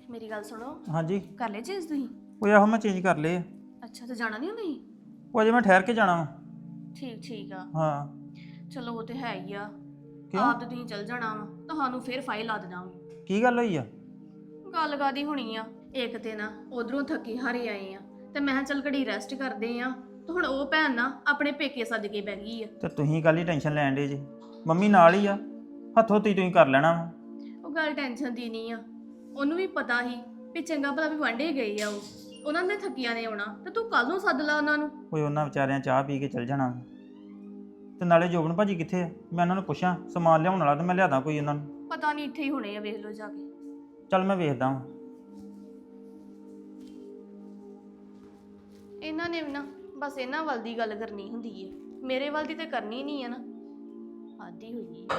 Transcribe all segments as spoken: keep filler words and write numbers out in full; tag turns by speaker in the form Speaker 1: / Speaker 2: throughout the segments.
Speaker 1: ਮੇਰੀ ਗੱਲ ਸੁਣੋ।
Speaker 2: ਹਾਂਜੀ
Speaker 1: ਕਰ ਲੈ ਚੇਂਜ ਤੁਸੀਂ?
Speaker 2: ਉਹ ਆਹੋ ਮੈਂ ਚੇਂਜ ਕਰ ਲਏ ਆ।
Speaker 1: ਅੱਛਾ ਤੇ ਜਾਣਾ ਨਹੀਂ ਤੁਸੀਂ?
Speaker 2: ਉਹ ਅਜੇ ਮੈਂ ਠਹਿਰ ਕੇ ਜਾਣਾ ਵਾ।
Speaker 1: ਠੀਕ ਠੀਕ ਆ।
Speaker 2: ਹਾਂ
Speaker 1: ਚਲੋ ਉਹ ਤੇ ਹੈ ਹੀ ਆ।
Speaker 2: ਕਿਉਂ
Speaker 1: ਆਪ ਤੇ ਤੁਸੀਂ ਚੱਲ ਜਾਣਾ ਵਾ, ਤੁਹਾਨੂੰ ਫੇਰ ਫਾਈਲ ਲਾ ਦੇਣਾ ਵਾ।
Speaker 2: ਕੀ ਗੱਲ ਹੋਈ ਆ?
Speaker 1: ਗੱਲ ਕਾਦੀ ਹੋਣੀ ਆ, ਇੱਕ ਤੇ ਨਾ ਉਧਰੋਂ ਥੱਕੇ ਹਾਰੇ ਆਏ ਆ ਤੇ ਮੈਂ ਕਿਹਾ ਚੱਲ ਘੜੀ ਰੈਸਟ ਕਰਦੇ ਆ ਤੇ ਹੁਣ ਉਹ ਭੈਣ ਨਾ ਆਪਣੇ ਪੇਕੇ ਸੱਜ ਕੇ ਬਹਿ ਗਈ ਆ।
Speaker 2: ਤੇ ਤੁਸੀਂ ਕੱਲ ਹੀ ਟੈਨਸ਼ਨ ਲੈਣ ਡੇ ਜੀ, ਮੰਮੀ ਨਾਲ ਹੀ ਆ, ਹੱਥੋਂ ਤੀ ਤੁਸੀਂ ਕਰ ਲੈਣਾ ਵਾ।
Speaker 1: ਉਹ ਗੱਲ ਟੈਨਸ਼ਨ ਦੀ ਨਹੀਂ ਆ, ਉਹਨੂੰ ਵੀ ਪਤਾ ਸੀ ਵੀ ਚੰਗਾ ਭਲਾ ਵੀ ਵਾਂਢੇ ਗਏ ਆ, ਉਹ ਉਹਨਾਂ ਨੇ ਥੱਕੀਆਂ ਨੇ ਆਉਣਾ ਤੇ ਤੂੰ ਕੱਲ ਨੂੰ ਸੱਦ ਲਾ ਉਹਨਾਂ ਨੂੰ।
Speaker 2: ਕੋਈ ਉਹਨਾਂ ਵਿਚਾਰਿਆਂ ਚਾਹ ਪੀ ਕੇ ਚੱਲ ਜਾਣਾ ਵਾ। ਤੇ ਨਾਲੇ ਜੋਬਨ ਭਾਜੀ ਕਿੱਥੇ ਆ? ਮੈਂ ਉਹਨਾਂ ਨੂੰ ਪੁੱਛਾਂ ਸਮਾਨ ਲਿਆਉਣ ਵਾਲਾ ਤੇ ਮੈਂ ਲਿਆਦਾ ਕੋਈ ਉਹਨਾਂ ਨੂੰ।
Speaker 1: ਪਤਾ ਨਹੀਂ ਇੱਥੇ ਹੀ ਹੋਣੇ ਆ, ਵੇਖ ਲਓ ਜਾ ਕੇ।
Speaker 2: ਚੱਲ ਮੈਂ ਵੇਖਦਾ ਵਾਂ।
Speaker 1: ਇਹਨਾਂ ਨੇ ਵੀ ਨਾ ਬਸ ਇਹਨਾਂ ਵੱਲ ਦੀ ਗੱਲ ਕਰਨੀ ਹੁੰਦੀ ਏ, ਮੇਰੇ ਵੱਲ ਦੀ ਤੇ ਕਰਨੀ ਨਹੀਂ ਆ ਨਾ, ਆਦੀ ਹੋਈ ਏ।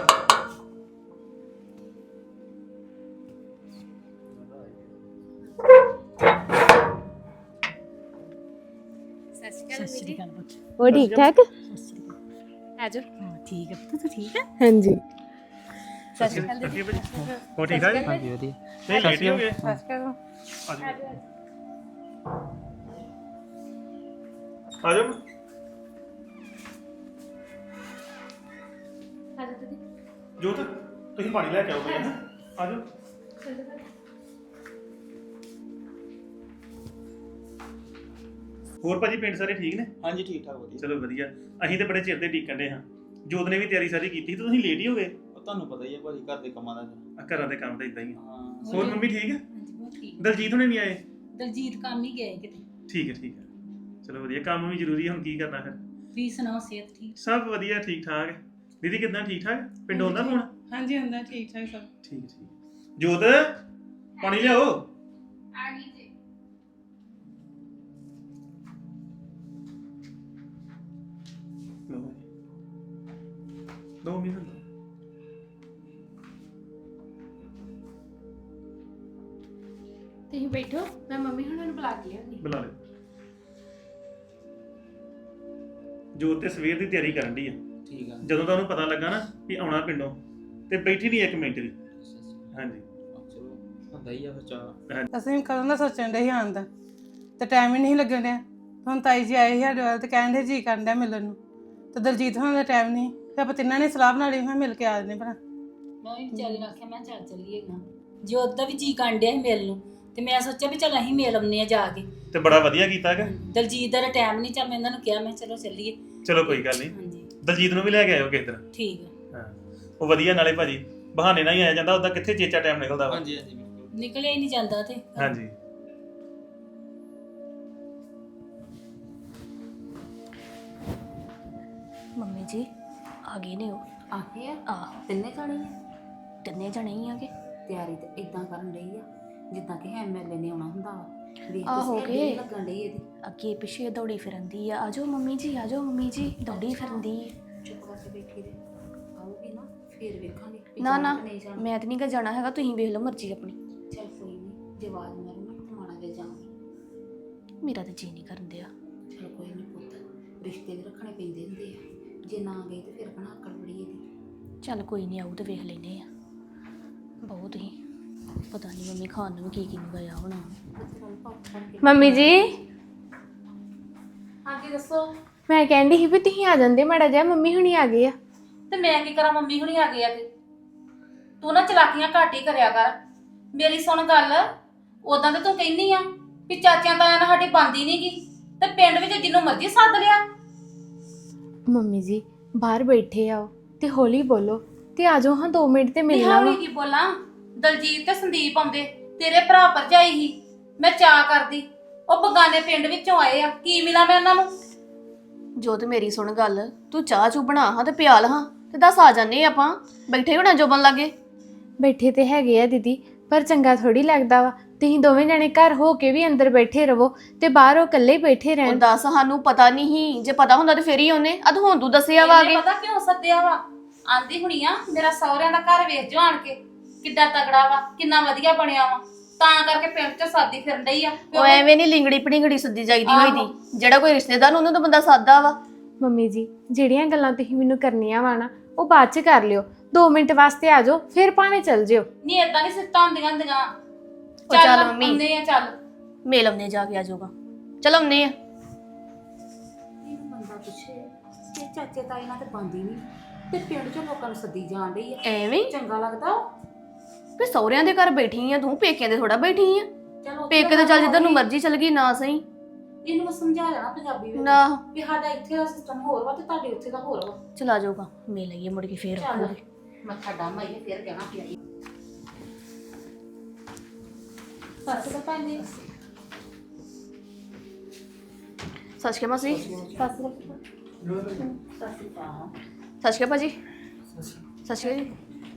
Speaker 3: ਸਤਿ ਸ਼੍ਰੀ ਅਕਾਲ ਪੁੱਤ।
Speaker 4: ਉਹ ਠੀਕ ਠਾਕ?
Speaker 1: ਆਜੋ।
Speaker 3: ਹਾਂ ਠੀਕ ਹੈ ਪੁੱਤ, ਤੂੰ ਠੀਕ ਹੈ?
Speaker 4: ਹਾਂਜੀ
Speaker 1: ਸਤਿ ਸ਼੍ਰੀ ਅਕਾਲ ਦੀਦੀ।
Speaker 2: ਹੋ ਠੀਕ ਆ ਜੀ?
Speaker 4: ਹਾਂਜੀ ਵਧੀਆ।
Speaker 2: ਨਹੀਂ ਲੇਟ ਹੀ ਹੋ ਗਏ। ਆਜੋ
Speaker 1: ਆਜੋ ਦੀਦੀ।
Speaker 2: ਜੋਤ ਤੁਸੀਂ ਪਾਣੀ ਲੈ ਕੇ ਆਓ ਬਈ। ਆਜੋ। ਹੋਰ ਭਾਜੀ ਪਿੰਡ ਸਾਰੇ ਠੀਕ ਨੇ?
Speaker 5: ਹਾਂਜੀ ਠੀਕ ਠਾਕ ਵਧੀਆ।
Speaker 2: ਚਲੋ ਵਧੀਆ। ਅਸੀਂ ਤੇ ਬੜੇ ਚਿਰ ਦੇ ਡੀਕਣ ਦੇ ਹਾਂ। ਜੋਤ ਨੇ ਵੀ ਤਿਆਰੀ ਸਾਰੀ ਕੀਤੀ ਤੇ ਤੁਸੀਂ ਲੇਟ ਹੀ ਹੋ ਗਏ।
Speaker 5: ਉਹ ਤੁਹਾਨੂੰ ਪਤਾ ਹੀ ਹੈ ਭਾਜੀ ਘਰ ਦੇ ਕੰਮਾਂ ਦਾ।
Speaker 2: ਆ ਘਰਾਂ ਦੇ ਕੰਮ ਤਾਂ ਇਦਾਂ ਹੀ ਆ।
Speaker 5: ਹਾਂ
Speaker 2: ਹੋਰ ਮੰਮੀ ਠੀਕ ਹੈ?
Speaker 3: ਹਾਂਜੀ ਬਹੁਤ ਠੀਕ।
Speaker 2: ਦਲਜੀਤ ਹੁਣੇ ਨਹੀਂ ਆਏ?
Speaker 3: ਦਲਜੀਤ ਕੰਮ ਹੀ ਗਏ ਕਿਤੇ।
Speaker 2: ਠੀਕ ਹੈ ਠੀਕ ਹੈ। ਚਲੋ ਵਧੀਆ, ਕੰਮ ਵੀ ਜ਼ਰੂਰੀ ਹੈ, ਹੁਣ ਕੀ ਕਰਨਾ ਫਿਰ।
Speaker 3: ਤੁਸੀਂ ਸੁਣਾਓ, ਸਿਹਤ ਠੀਕ?
Speaker 2: ਸਭ ਵਧੀਆ ਠੀਕ ਠਾਕ। ਦੀਦੀ ਕਿੱਦਾਂ ਠੀਕ ਠਾਕ? ਪਿੰਡ ਆਉਂਦਾ ਫੋਨ?
Speaker 6: ਹਾਂਜੀ ਹੁੰਦਾ ਠੀਕ ਠਾਕ ਸਭ।
Speaker 2: ਠੀਕ ਠੀਕ। ਜੋਤ ਪਾਣੀ ਲਿਆਓ।
Speaker 1: ਆ ਗਈ ਜੀ।
Speaker 2: ਲਓ ਦੋ ਮਿੰਟ।
Speaker 1: ਤੁਸੀਂ ਬੈਠੋ, ਮੈਂ ਮੰਮੀ ਹੁਣਾਂ ਨੂੰ ਬੁਲਾ ਕੇ ਲਿਆਉਂਦੀ।
Speaker 2: ਬੁਲਾ ਲੈ। ਜੋਤ ਤੇ ਸਵੇਰ ਦੀ ਤਿਆਰੀ ਕਰਨ ਦੀ ਆ।
Speaker 5: ਠੀਕ ਆ।
Speaker 2: ਜਦੋਂ ਤੁਹਾਨੂੰ ਪਤਾ ਲੱਗਾ ਨਾ ਵੀ ਆਉਣਾ ਪਿੰਡੋਂ ਤੇ ਬੈਠੀ ਨਹੀਂ ਇੱਕ ਮਿੰਟ ਵੀ। ਹਾਂਜੀ
Speaker 5: ਚਲੋ ਹੁੰਦਾ ਹੀ ਆ ਫਿਰ ਚਾਹ।
Speaker 6: ਅਸੀਂ ਵੀ ਕਦੋਂ ਦਾ ਸੋਚਣ ਦੇ ਹੀ ਆਉਣ ਦਾ ਤੇ ਟਾਈਮ ਹੀ ਨਹੀਂ ਲੱਗਣ ਡਿਆ। ਹੁਣ ਤਾਈ ਜੀ ਆਏ ਸੀ ਸਾਡੇ ਵੱਲ ਤੇ ਕਹਿਣ ਦੇ ਜੀ ਕਰਨ ਡਿਆ ਮਿਲਣ ਨੂੰ, ਤੇ ਦਲਜੀਤ ਹੋਣਾ ਦਾ ਟਾਈਮ ਨਹੀਂ ਤੇ ਆਪਾਂ ਤਿੰਨਾਂ ਨੇ ਸਲਾਹ ਬਣਾ ਲਈ ਮੈਂ ਮਿਲ ਕੇ ਆ ਜਾਂਦੇ ਭਰਾ।
Speaker 3: ਮੈਂ ਵੀ ਵਿਚਾਰੀ ਨੂੰ ਆਖਿਆ ਮੈਂ ਚੱਲ ਚੱਲੀਏ ਨਾ, ਜੋਤ ਦਾ ਵੀ ਜੀ ਕਾਂਡਿਆ ਸੀ ਮਿਲ ਨੂੰ, ਤੇ ਮੈਂ ਸੋਚਿਆ ਵੀ ਚੱਲ ਅਸੀਂ ਮਿਲ ਆਉਂਦੇ ਆ ਜਾ ਕੇ।
Speaker 2: ਤੇ ਬੜਾ ਵਧੀਆ ਕੀਤਾ ਹੈਗਾ।
Speaker 3: ਦਲਜੀਤ ਦਾ ਟਾਈਮ ਨਹੀਂ, ਚੱਲ ਮੈਂ ਇਹਨਾਂ ਨੂੰ ਕਿਹਾ ਮੈਂ ਚਲੋ ਚੱਲੀਏ।
Speaker 2: ਚਲੋ ਕੋਈ ਗੱਲ ਨਹੀਂ।
Speaker 3: ਹਾਂਜੀ
Speaker 2: ਦਲਜੀਤ ਨੂੰ ਵੀ ਲੈ ਕੇ ਆਇਓ ਕਿਸੇ ਦਿਨ।
Speaker 3: ਠੀਕ ਹੈ।
Speaker 2: ਹਾਂ ਉਹ ਵਧੀਆ, ਨਾਲੇ ਭਾਜੀ ਬਹਾਨੇ ਨਾਲ ਹੀ ਆਇਆ ਜਾਂਦਾ, ਉਹਦਾ ਕਿੱਥੇ ਚੇਚਾ ਟਾਈਮ ਨਿਕਲਦਾ ਵਾ।
Speaker 5: ਹਾਂਜੀ ਹਾਂਜੀ ਬਿਲਕੁਲ।
Speaker 3: ਨਿਕਲਿਆ ਹੀ ਨਹੀਂ ਜਾਂਦਾ ਤੇ।
Speaker 2: ਹਾਂਜੀ
Speaker 1: ਮੰਮੀ ਜੀ ਆ ਗਏ ਨੇ ਉਹ।
Speaker 7: ਆ ਗਏ ਆ?
Speaker 1: ਆਹੋ
Speaker 7: ਤਿੰਨੇ ਜਾਣੇ ਆ?
Speaker 1: ਤਿੰਨੇ ਜਣੇ ਹੀ ਆਗੇ।
Speaker 7: ਤਿਆਰੀ ਤੇ ਇਦਾਂ ਕਰਨ ਰਹੀ ਆ ਜਿੱਦਾਂ ਕਿ ਐਮਐਲਏ ਨੇ ਆਉਣਾ ਹੁੰਦਾ ਵਾ। ਵੇਖ
Speaker 1: ਆਹੋ
Speaker 7: ਤੁਸੀਂ
Speaker 1: ਕੇ।
Speaker 7: ਅੱਗੇ ਲੱਗਣ ਡਈ ਇਹਦੀ।
Speaker 1: ਅੱਗੇ ਪਿੱਛੇ ਦੌੜੀ ਫਿਰੰਦੀ ਆ। ਆਜੋ ਮੰਮੀ ਜੀ, ਆਜੋ ਮੰਮੀ ਜੀ, ਦੌੜੀ ਫਿਰੰਦੀ।
Speaker 7: ਚੁੱਪ ਕਰਕੇ ਬੈਠੀ ਰਹੇ, ਆਊਗੀ ਨਾ ਫੇਰ ਵੇਖਾਂਗੇ ਵੀ
Speaker 1: ਨਾ
Speaker 7: ਜਾਣਾ
Speaker 1: ਨਾ
Speaker 7: ਕਿ ਨਹੀਂ ਜਾਣਾ।
Speaker 1: ਮੈਂ ਤਾਂ ਨਹੀਂ ਗਾ ਜਾਣਾ ਹੈਗਾ, ਤੁਸੀਂ ਵੇਖ ਲਓ ਮਰਜ਼ੀ ਆਪਣੀ।
Speaker 7: ਚੱਲ ਕੋਈ ਨਹੀਂ, ਜੇ ਆਵਾਜ਼ ਮਾਰੂ ਨਾ ਤਾਂ ਮਾੜਾ ਜਿਹਾ ਜਾਵਾਂਗੀ।
Speaker 1: ਮੇਰਾ ਤਾਂ ਜੀ ਨਹੀਂ ਕਰਨ ਦਿਆ।
Speaker 7: ਚਲ ਕੋਈ ਨਹੀਂ ਪੁੱਤ, ਰਿਸ਼ਤੇ ਵੀ ਰੱਖਣੇ ਪੈਂਦੇ ਹੁੰਦੇ ਆ, ਜੇ ਨਾ ਗਈ ਤੇ ਫਿਰ ਕਹਣਾ ਅਕਲ ਬੜੀ ਇਹਦੀ।
Speaker 1: ਚੱਲ ਕੋਈ ਨਹੀਂ, ਆਊ ਤੇ ਵੇਖ ਲੈਨੇ ਆ। ਬਹੁਤ ਹੀ ਪਤਾ ਨਹੀਂ ਮੰਮੀ ਖਾਣ ਨੂੰ ਕੀ ਕੀ ਮੰਗਾਇਆ ਹੋਣਾ।
Speaker 4: ਮੰਮੀ ਜੀ
Speaker 3: ਹਾਂਜੀ ਦੱਸੋ।
Speaker 4: ਮੈਂ ਕਹਿੰਦੀ ਸੀ ਵੀ ਤੁਸੀਂ ਆ ਜਾਂਦੇ ਮਾੜਾ ਜਿਹਾ, ਮੰਮੀ ਹੁਣੀ ਆ ਗਏ ਆ।
Speaker 3: ਤੇ ਮੈਂ ਕੀ ਕਰਾਂ, ਮੰਮੀ ਹੁਣੀ ਆ ਗਏ ਆ ਤੇ ਤੂੰ ਨਾ ਚਲਾਕੀਆਂ ਘੱਟ ਹੀ ਕਰਿਆ ਕਰ। ਮੇਰੀ ਸੁਣ ਗੱਲ, ਉਦਾਂ ਤੇ ਤੂੰ ਕਹਿੰਦੀ ਆ ਵੀ ਚਾਚਿਆਂ ਤਾਇਆਂ ਨਾਲ ਸਾਡੀ ਬਣਦੀ ਨੀ ਗੀ, ਤੇ ਪਿੰਡ ਵਿੱਚ ਜਿਹਨੂੰ ਮਰਜ਼ੀ ਸੱਦ ਲਿਆ।
Speaker 4: ਮੰਮੀ ਜੀ ਬਾਹਰ ਬੈਠੇ ਆ ਉਹ, ਤੇ ਹੌਲੀ ਬੋਲੋ ਤੇ ਆ ਜਾਓ ਹਾਂ ਦੋ ਮਿੰਟ ਤੇ ਮਿਲਣਾ ਵਾ।
Speaker 3: ਹੌਲੀ ਕੀ ਬੋਲਾਂ, ਦਲਜੀਤ ਤੇ ਸੰਦੀਪ ਆਉਂਦੇ, ਤੇਰੇ ਭਰਾ ਭਰਜਾਈ ਹੀ, ਮੈਂ ਚਾਹ ਕਰਦੀ। ਉਹ ਬਗਾਨੇ ਪਿੰਡ ਵਿੱਚੋਂ ਆਏ ਆ, ਕੀ ਮਿਲਾਂ ਮੈਂ ਉਹਨਾਂ ਨੂੰ?
Speaker 1: ਜੋ ਤੇ ਮੇਰੀ ਸੁਣ ਗੱਲ, ਤੂੰ ਚਾਹ ਚੂ ਬਣਾ ਹਾਂ ਤੇ ਪਿਆਲ ਹਾਂ ਤੇ ਦੱਸ ਆ ਜਾਂਦੇ ਆਪਾਂ। ਬੈਠੇ ਹੋਣਾ ਜੋਬਨ ਲਾਗੇ।
Speaker 4: ਬੈਠੇ ਤੇ ਹੈਗੇ ਆ ਦੀਦੀ, ਪਰ ਚੰਗਾ ਥੋੜੀ ਲੱਗਦਾ ਵਾ ਤੁਸੀਂ ਦੋਵੇਂ ਜਣੇ ਘਰ ਹੋ ਕੇ ਵੀ ਅੰਦਰ ਬੈਠੇ ਰਹੋ ਤੇ ਬਾਹਰ ਉਹ ਇਕੱਲੇ ਹੀ ਬੈਠੇ
Speaker 1: ਉਹ
Speaker 4: ਰਹਿਣ।
Speaker 1: ਦੱਸ, ਸਾਨੂੰ ਪਤਾ ਨਹੀਂ ਸੀ, ਜੇ ਪਤਾ ਹੁੰਦਾ ਤੇ ਫੇਰ ਹੀ ਉਹਨੇ ਅਦ ਹੁਣ ਤੂੰ ਦੱਸਿਆ ਵਾ
Speaker 3: ਇਹਨੇ
Speaker 1: ਆਗੇ।
Speaker 3: ਪਤਾ ਕਿਉਂ ਸੱਦਿਆ ਵਾ? ਆਂਦੀ ਹੁਣੀ ਆ ਮੇਰਾ ਸਹੁਰਿਆਂ ਦਾ ਘਰ ਵੇਖ ਜੋ ਆਣ ਕੇ, ਕਿੱਡਾ ਤਗੜਾ ਵਾ, ਕਿੰਨਾ ਵਧੀਆ ਬਣਿਆ ਵਾ, ਤਾਂ ਕਰਕੇ ਪਿੰਡ ਚ ਸਾਦੀ ਫਿਰਨ ਡਈ ਆ।
Speaker 1: ਉਹ ਐਵੇਂ ਨਹੀਂ ਲਿੰਗੜੀ ਪੜਿੰਗੜੀ ਸੱਦੀ ਜਾਈਦੀ ਹੋਈ ਦੀ, ਜਿਹੜਾ ਕੋਈ ਰਿਸ਼ਤੇਦਾਰ ਉਹਨੂੰ ਤਾਂ ਬੰਦਾ ਸਾਦਾ ਵਾ।
Speaker 4: ਮੰਮੀ ਜੀ ਜਿਹੜੀਆਂ ਗੱਲਾਂ ਤੁਸੀਂ ਮੈਨੂੰ ਕਰਨੀਆਂ ਵਾ ਨਾ ਉਹ ਬਾਅਦ ਚ ਕਰ ਲਿਓ, ਦੋ ਮਿੰਟ ਵਾਸਤੇ ਆ ਜਾਓ ਫਿਰ ਭਾਵੇਂ ਚੱਲ ਜਿਓ।
Speaker 3: ਨਹੀਂ ਏਦਾਂ ਨਹੀਂ ਸਿੱਟਾਂ ਹੁੰਦੀਆਂ ਹੁੰਦੀਆਂ।
Speaker 1: ਉਹ ਚੱਲ
Speaker 3: ਚੱਲ
Speaker 1: ਮੰਮੀ
Speaker 3: ਆਉਂਦੇ ਆ ਚੱਲ
Speaker 1: ਮੇਲ ਆਉਂਦੇ ਜਾ ਕੇ ਆ ਜਾਊਗਾ। ਚਲ ਆਉਂਦੇ ਆ।
Speaker 7: ਇਹਨੂੰ ਬੰਦਾ ਪੁੱਛੇ ਇਹ ਚਾਚੇ ਤਾਏ ਨਾਲ ਤੇ ਬੰਦੀ ਨਹੀਂ ਤੇ ਪਿੰਡ ਚੋਂ ਲੋਕਾਂ ਨੂੰ ਸੱਦੀ ਜਾਣ ਡਈ ਆ।
Speaker 1: ਐਵੇਂ
Speaker 7: ਚੰਗਾ ਲੱਗਦਾ
Speaker 1: ਵੀ ਸਹੁਰਿਆਂ ਦੇ ਘਰ ਬੈਠੀ ਆ ਤੂੰ, ਪੇਕਿਆਂ ਦੇ ਥੋੜਾ ਬੈਠੀ ਆ।
Speaker 7: ਚਲੋ
Speaker 1: ਪੇਕੇ ਤੇ ਚੱਲ ਜਿੱਧਰ ਨੂੰ ਮਰਜ਼ੀ ਚਲ ਗਈ ਨਾ ਸਹੀ
Speaker 7: ਇਹਨੂੰ ਮੈਂ ਸਮਝਾ ਲੈਣਾ ਪੰਜਾਬੀ ਵਿੱਚ
Speaker 1: ਨਾ।
Speaker 7: ਵੀ ਸਾਡਾ ਇੱਥੇ ਦਾ ਸਿਸਟਮ ਹੋਰ ਵਾ ਤੇ ਤੁਹਾਡੇ ਉੱਥੇ ਦਾ ਹੋਰ ਵਾ।
Speaker 1: ਚਲਾ ਜਾਊਗਾ ਮੇਲ ਆਈਏ ਮੁੜ ਕੇ ਫੇਰ
Speaker 7: ਚੱਲ
Speaker 1: ਆਖੂਗੀ।
Speaker 7: ਮੈਂ ਤੁਹਾਡਾ ਮਾਈਏ ਫੇਰ ਕਹਿਣਾ ਪਿਆ ਈ। ਸੱਸ ਦਾ ਪੈਂਦੀ
Speaker 1: ਸਤਿ ਸ਼੍ਰੀ ਅਕਾਲ ਮਾਸੀ।
Speaker 7: ਸੱਸ ਦਾ ਸੱਸ ਦਾ
Speaker 1: ਸਤਿ ਸ਼੍ਰੀ ਅਕਾਲ ਭਾਜੀ। ਸਤਿ ਸ਼੍ਰੀ ਅਕਾਲ ਜੀ।